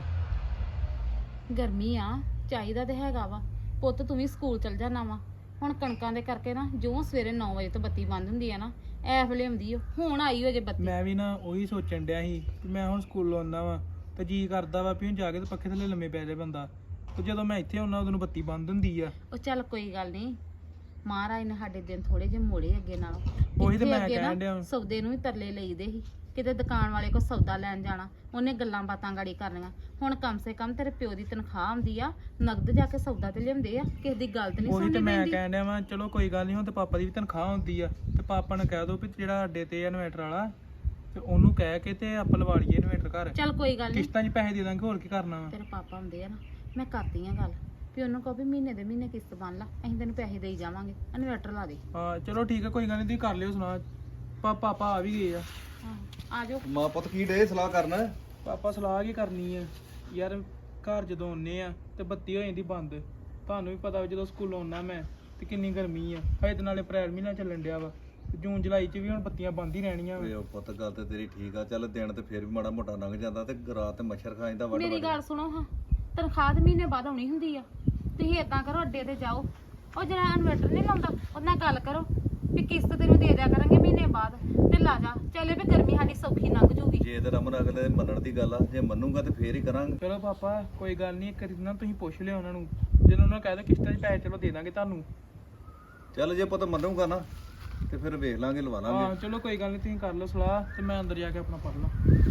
[SPEAKER 5] ਗਰਮੀ ਆ, ਚਾਹੀਦਾ ਤੇ ਹੈਗਾ ਵਾ। ਪੁੱਤ ਤੂੰ ਵੀ ਸਕੂਲ ਚਲ ਜਾਣਾ ਵਾ। ਹੁਣ ਕਣਕਾਂ ਦੇ ਕਰਕੇ ਨਾ ਜੋ ਸਵੇਰੇ 9 ਵਜੇ ਤੋਂ ਬੱਤੀ ਬੰਦ ਹੁੰਦੀ ਆ ਨਾ, ਐ ਵੇਲੇ ਆਉਂਦੀ ਓ। ਹੁਣ ਆਈ ਹੋ ਜੇ ਬੱਤੀ।
[SPEAKER 6] ਮੈਂ ਵੀ ਨਾ ਉਹੀ ਸੋਚਣ ਡਿਆ ਸੀ ਕਿ ਮੈਂ ਹੁਣ ਸਕੂਲੋਂ ਆਉਂਦਾ ਵਾਂ ਤੇ ਜੀ ਕਰਦਾ ਵਾ ਵੀ ਹੁਣ ਜਾ ਕੇ ਤੇ ਪੱਖੇ ਥੱਲੇ ਲੰਮੇ ਪੈ ਜਾਏ ਬੰਦਾ, ਤੇ ਜਦੋਂ ਮੈਂ ਇੱਥੇ ਆਉਣਾ ਉਦੋਂ ਨੂੰ ਬੱਤੀ ਬੰਦ ਹੁੰਦੀ ਆ।
[SPEAKER 5] ਉਹ ਚੱਲ ਕੋਈ ਗੱਲ ਨਹੀਂ, ਮਹਾਰਾਜ ਨੇ ਸਾਡੇ ਦਿਨ ਥੋੜੇ ਜਿਹੇ ਮੋੜੇ ਅੱਗੇ ਨਾਲੋਂ।
[SPEAKER 6] ਉਹੀ ਤੇ
[SPEAKER 5] ਇੱਥੇ
[SPEAKER 6] ਮੈਂ
[SPEAKER 5] ਅੱਗੇ ਨਾ
[SPEAKER 6] ਕਹਿਣ ਡਿਆ।
[SPEAKER 5] ਸੌਦੇ ਨੂੰ ਵੀ ਤਰਲੇ ਲਈਦੇ ਸੀ, ਕਿਤੇ ਦੁਕਾਨ ਵਾਲੇ ਕੋ ਸੌਦਾ ਲੈਣ ਜਾਣਾ, ਉਹਨੇ ਗੱਲਾਂ ਬਾਤਾਂ ਗਾੜੀ ਕਰਨੀਆਂ। ਹੁਣ ਕਮ ਸੇ ਕਮ ਤੇਰੇ ਪਿਓ ਦੀ ਤਨਖਾਹ ਆਉਂਦੀ ਆ, ਨਗਦ ਜਾ ਕੇ ਸੌਦਾ ਤੇ ਲਿਆਉਂਦੇ ਆ, ਕਿਸੇ ਦੀ ਗੱਲ ਤੇ ਨਹੀਂ
[SPEAKER 6] ਉਹੀ ਤੇ
[SPEAKER 5] ਸੁਣਨੀ
[SPEAKER 6] ਮੈਂ
[SPEAKER 5] ਪੈਂਦੀ।
[SPEAKER 6] ਕਹਿਣ ਡਿਆ ਵਾਂ, ਚਲੋ ਕੋਈ ਗੱਲ ਨਹੀਂ, ਹੁਣ ਤੇ ਪਾਪਾ ਦੀ ਵੀ ਤਨਖਾਹ ਹੁੰਦੀ ਆ, ਤੇ ਪਾਪਾ ਨੂੰ ਕਹਿ ਦੋ ਵੀ ਜਿਹੜਾ ਅੱਡੇ ਤੇ ਇਨਵੇਟਰ ਵਾਲਾ ਤੇ ਉਹਨੂੰ ਕਹਿ ਕੇ ਤੇ ਆਪਾਂ ਲਵਾ ਲਈਏ ਇਨਵੇਟਰ ਘਰ।
[SPEAKER 5] ਚੱਲ ਕੋਈ ਗੱਲ ਨਹੀਂ,
[SPEAKER 6] ਕਿਸ਼ਤਾਂ 'ਚ ਪੈਸੇ ਦੇ ਦਾਂਗੇ, ਹੋਰ ਕੀ ਕਰਨਾ ਵਾ।
[SPEAKER 5] ਤੇਰੇ ਪਾਪਾ ਹੁੰਦੇ ਆ ਨਾ, ਮੈਂ ਕਰਦੀ ਆ ਗੱਲ ਵੀ ਉਹਨੂੰ ਕਹੋ ਵੀ ਮਹੀਨੇ ਦੇ ਮਹੀਨੇ ਕਿਸ਼ਤ ਬਣ ਲਾ, ਅਸੀਂ ਤੈਨੂੰ ਪੈਸੇ ਦੇਈ ਜਾਵਾਂਗੇ, ਇਨਵੇਟਰ ਲਾ ਦੇ।
[SPEAKER 6] ਹਾਂ ਚਲੋ ਠੀਕ ਆ, ਕੋਈ ਗੱਲ ਨਹੀਂ, ਤੁਸੀਂ ਕਰ ਲਿਓ ਸੁਣਾ। ਪਾਪਾ ਆ ਵੀ ਗਏ ਆ।
[SPEAKER 5] ਹਾਂ ਆ ਜਾਓ।
[SPEAKER 7] ਮਾਂ ਪੁੱਤ ਕੀ ਡੇ ਸਲਾਹ ਕਰਨਾ?
[SPEAKER 6] ਪਾਪਾ ਸਲਾਹ ਕੀ ਕਰਨੀ ਆ ਯਾਰ, ਘਰ ਜਦੋਂ ਆਉਂਦੇ ਆ ਤੇ ਬੱਤੀ ਹੋ ਜਾਂਦੀ ਬੰਦ। ਤੁਹਾਨੂੰ ਵੀ ਪਤਾ ਵਾ ਜਦੋਂ ਸਕੂਲੋਂ ਆਉਣਾ ਮੈਂ ਤੇ ਕਿੰਨੀ ਗਰਮੀ ਆ, ਹਜੇ ਤੇ ਨਾਲੇ ਅਪ੍ਰੈਲ ਮਹੀਨਾ ਚੱਲਣ ਡਿਆ ਵਾ, ਤੇ ਜੂਨ ਜੁਲਾਈ 'ਚ ਵੀ ਹੁਣ ਬੱਤੀਆਂ ਬੰਦ ਹੀ ਰਹਿਣੀਆਂ ਵਾ।
[SPEAKER 7] ਓਏ ਉਹ ਪੁੱਤ ਗੱਲ ਤੇ ਤੇਰੀ ਠੀਕ ਆ, ਚੱਲ ਦਿਨ ਤੇ ਫੇਰ ਵੀ ਮਾੜਾ ਮੋਟਾ ਲੰਘ ਜਾਂਦਾ, ਤੇ ਰਾਤ ਤੇ ਮੱਛਰ ਖਾ ਜਾਂਦਾ ਵੱਡ
[SPEAKER 5] ਮੇਰੀ
[SPEAKER 7] ਵੱਡ।
[SPEAKER 5] ਗੱਲ ਸੁਣੋ ਹਾਂ, ਤਨਖਾਹ ਤੇ ਮਹੀਨੇ ਬਾਅਦ ਆਉਣੀ ਹੁੰਦੀ ਆ। ਤੁਸੀਂ ਏਦਾਂ ਕਰੋ, ਅੱਡੇ ਤੇ ਜਾਓ, ਉਹ ਜਿਹੜਾ ਇਨਵੇਟਰ ਨਹੀਂ ਲਾਉਂਦਾ ਉਹਦੇ ਨਾਲ ਗੱਲ ਕਰੋ ਵੀ ਕਿਸ਼ਤ ਤੈਨੂੰ ਦੇ ਦਿਆ ਕਰਾਂਗੇ ਮਹੀਨੇ ਬਾਅਦ, ਤੇ ਲਾ ਜਾ ਚੱਲੇ ਵੀ ਗਰਮੀ ਸਾਡੀ ਸੌਖੀ ਲੰਘ ਜੂਗੀ।
[SPEAKER 7] ਜੇ ਤੇ ਰਮਨ ਅਗਲੇ ਦੇ ਮੰਨਣ ਦੀ ਗੱਲ ਆ, ਜੇ ਮੰਨੂਗਾ ਤੇ ਫੇਰ ਹੀ ਕਰਾਂਗੇ।
[SPEAKER 6] ਚਲੋ ਪਾਪਾ ਕੋਈ ਗੱਲ ਨਹੀਂ, ਇੱਕ ਵਾਰੀ ਨਾ ਤੁਸੀਂ ਪੁੱਛ ਲਿਓ ਉਹਨਾਂ ਨੂੰ, ਜਦੋਂ ਉਹਨਾਂ ਕਹਿ ਦੋ ਕਿਸ਼ਤਾਂ 'ਚ ਪੈਸੇ ਚਲੋ ਦੇ ਦਾਂਗੇ ਤੁਹਾਨੂੰ।
[SPEAKER 7] ਚੱਲ ਜੇ ਪੁੱਤ ਮੰਨੂਗਾ ਨਾ ਤੇ ਫਿਰ ਵੇਖ ਲਾਂਗੇ, ਲਵਾ
[SPEAKER 6] ਹਾਂ
[SPEAKER 7] ਲਾਂਗੇ।
[SPEAKER 6] ਚਲੋ ਕੋਈ ਗੱਲ ਨਹੀਂ, ਤੁਸੀਂ ਕਰ ਲਓ ਸਲਾਹ ਤੇ ਮੈਂ ਅੰਦਰ ਜਾ ਕੇ ਆਪਣਾ ਪੜ ਲਾਂ।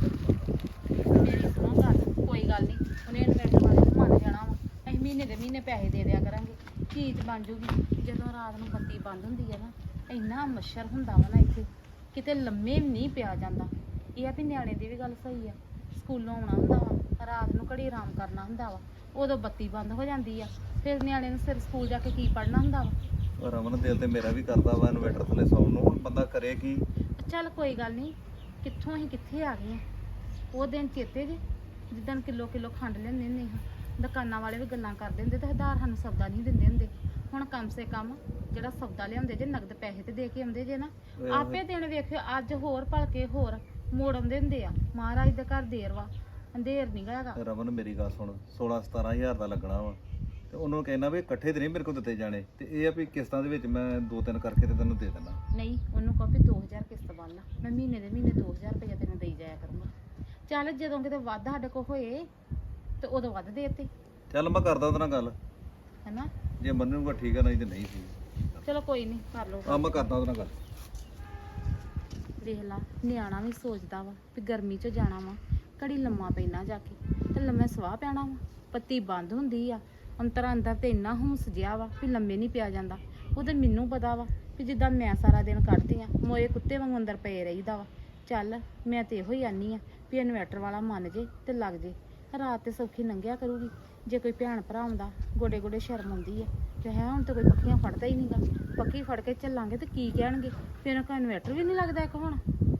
[SPEAKER 5] ਮੇਰੀ ਸੁਣੋ ਗੱਲ, ਕੋਈ ਗੱਲ ਨਹੀਂ, ਉਹਨੇ ਇਨਵੇਟਰ ਵਾਲੇ ਨੂੰ ਮੰਨ ਜਾਣਾ ਵਾ, ਅਸੀਂ ਮਹੀਨੇ ਦੇ ਮਹੀਨੇ ਪੈਸੇ ਦੇ ਦਿਆ ਕਰਾਂਗੇ, ਚੀਜ਼ ਬਣ ਜੂਗੀ। ਜਦੋਂ ਰਾਤ ਨੂੰ ਬੱਤੀ ਬੰਦ ਹੁੰਦੀ ਹੈ ਨਾ, ਇੰਨਾ ਮੱਛਰ ਹੁੰਦਾ ਵਾ ਨਾ ਇੱਥੇ, ਕਿਤੇ ਲੰਮੇ ਵੀ ਨਹੀਂ ਪਿਆ ਜਾਂਦਾ। ਇਹ ਆ ਵੀ ਨਿਆਣੇ ਦੀ ਵੀ ਗੱਲ ਸਹੀ ਆ, ਸਕੂਲੋਂ ਆਉਣਾ ਹੁੰਦਾ ਵਾ, ਰਾਤ ਨੂੰ ਘੜੀ ਆਰਾਮ ਕਰਨਾ ਹੁੰਦਾ ਵਾ, ਉਦੋਂ ਬੱਤੀ ਬੰਦ ਹੋ ਜਾਂਦੀ ਆ, ਫਿਰ ਨਿਆਣੇ ਨੂੰ ਸਿਰ ਸਕੂਲ ਜਾ ਕੇ ਕੀ ਪੜ੍ਹਨਾ ਹੁੰਦਾ ਵਾ।
[SPEAKER 7] ਰਮਨ ਦਿਲ ਤੇ ਮੇਰਾ ਵੀ ਕਰਦਾ ਵਾ ਇਨਵੇਟਰ ਥੱਲੇ ਸੌਣ ਨੂੰ, ਹੁਣ ਬੰਦਾ ਕਰੇ ਕੀ।
[SPEAKER 5] ਚੱਲ ਕੋਈ ਗੱਲ ਨਹੀਂ, ਕਿੱਥੋਂ ਅਸੀਂ ਕਿੱਥੇ ਆ ਗਏ ਆ। ਉਹ ਦਿਨ ਚੇਤੇ ਜੇ ਜਿੱਦਣ ਕਿਲੋ ਖੰਡ ਲੈਂਦੇ ਹੁੰਦੇ ਹਾਂ, ਦੁਕਾਨਾਂ ਵਾਲੇ ਵੀ ਗੱਲਾਂ ਕਰਦੇ ਹੁੰਦੇ ਤੇ ਹਜ਼ਾਰ ਸਾਨੂੰ ਸੌਦਾ ਨਹੀਂ ਦਿੰਦੇ ਹੁੰਦੇ। ਹੁਣ ਕਮ ਸੇ ਕਮ ਜਿਹੜਾ ਸੌਦਾ ਲਿਆਉਂਦੇ ਜੇ ਨਗਦ ਪੈਸੇ ਤੇ ਦੇ ਕੇ ਆਉਂਦੇ ਜੇ ਨਾ, ਆਪੇ ਦਿਨ ਵੇਖਿਓ ਅੱਜ ਹੋਰ ਭਲਕੇ ਹੋਰ ਮੋੜ ਆਉਂਦੇ ਹੁੰਦੇ ਆ। ਮਹਾਰਾਜ ਦੇ ਘਰ ਦੇਰ ਵਾ, ਅੰਧੇਰ ਨਹੀਂ ਹੈਗਾ।
[SPEAKER 7] ਰਮਨ ਮੇਰੀ ਗੱਲ ਸੁਣ, 16-17 ਹਜ਼ਾਰ ਦਾ ਲੱਗਣਾ ਵਾ, ਤੇ ਉਹਨੂੰ ਕਹਿਣਾ ਵੀ ਇਕੱਠੇ ਤੇ ਨਹੀਂ ਮੇਰੇ ਕੋਲ ਦਿੱਤੇ ਜਾਣੇ, ਤੇ ਇਹ ਆ ਵੀ ਕਿਸ਼ਤਾਂ ਦੇ ਵਿੱਚ ਮੈਂ 2-3 ਕਰਕੇ ਤੇ ਤੈਨੂੰ ਦੇ ਦੇਣਾ।
[SPEAKER 5] ਨਹੀਂ, ਉਹਨੂੰ ਕਹੋ ਵੀ 2000 ਕਿਸ਼ਤ ਬਣ ਲਾ, ਮੈਂ ਮਹੀਨੇ ਦੇ ਮਹੀਨੇ 2000 ਰੁਪਇਆ ਤੈਨੂੰ ਦੇਈ ਜਾਇਆ ਕਰੂੰਗਾ। ਚੱਲ ਜਦੋਂ ਕਿਤੇ ਵੱਧ ਸਾਡੇ ਕੋਲ ਹੋਏ ਤੇ ਉਦੋਂ ਵੱਧ ਦੇ ਦਿੱਤੇ,
[SPEAKER 7] ਚੱਲ ਮੈਂ ਕਰਦਾ ਉਹਦੇ ਨਾਲ ਗੱਲ,
[SPEAKER 5] ਹੈਨਾ।
[SPEAKER 7] ਜੇ ਮੰਨੂਗਾ ਠੀਕ ਆ, ਨਹੀਂ ਤੇ ਨਹੀਂ ਸੀ।
[SPEAKER 5] ਚਲੋ ਕੋਈ ਨਹੀਂ, ਕਰ ਲਓ।
[SPEAKER 7] ਆ ਮੈਂ ਕਰਦਾ ਉਹਦੇ ਨਾਲ ਗੱਲ।
[SPEAKER 5] ਦੇਖ ਲਾ, ਨਿਆਣਾ ਵੀ ਸੋਚਦਾ ਵਾ ਵੀ ਗਰਮੀ 'ਚ ਜਾਣਾ ਵਾ, ਘੜੀ ਲੰਮਾ ਪੈਣਾ ਜਾ ਕੇ ਤੇ ਲੰਮੇ ਸਵਾਹ ਪੈਣਾ ਵਾ, ਬੱਤੀ ਬੰਦ ਹੁੰਦੀ ਆ, ਅੰਤਰ ਅੰਦਰ ਤੇ ਇੰਨਾ ਹੁੰਸ ਜਿਆ ਵਾ ਵੀ ਲੰਮੇ ਨਹੀਂ ਪਿਆ ਜਾਂਦਾ। ਉਹ ਤੇ ਮੈਨੂੰ ਪਤਾ ਵਾ ਵੀ ਜਿੱਦਾਂ ਮੈਂ ਸਾਰਾ ਦਿਨ ਕੱਢਦੀ ਆ, ਮੋਏ ਕੁੱਤੇ ਵਾਂਗੂ ਅੰਦਰ ਪਏ ਰਹੀਦਾ ਵਾ। ਚੱਲ ਮੈਂ ਤੇ ਇਹੋ ਹੀ ਆਨੀ ਆ ਵੀ ਇਨਵਰਟਰ ਵਾਲਾ ਮੰਨ ਜੇ ਤੇ ਲੱਗ ਜੇ, ਰਾਤ ਤੇ ਸੌਖੀ ਲੰਘਿਆ ਕਰੂਗੀ। ਜੇ ਕੋਈ ਭੈਣ ਭਰਾ ਆਉਂਦਾ ਗੋਡੇ ਗੋਡੇ ਸ਼ਰਮ ਆਉਂਦੀ ਆ ਕਿ ਹੈ ਹੁਣ ਤਾਂ ਕੋਈ ਪੱਖੀਆਂ ਫੜਦਾ ਹੀ ਨਹੀਂਗਾ, ਪੱਖੀ ਫੜ ਕੇ ਚੱਲਾਂਗੇ ਤੇ ਕੀ ਕਹਿਣਗੇ, ਫਿਰ ਉਹਨਾਂ ਕੋਲ ਇਨਵਰਟਰ ਵੀ ਨਹੀਂ ਲੱਗਦਾ ਇੱਕ ਹੁਣ।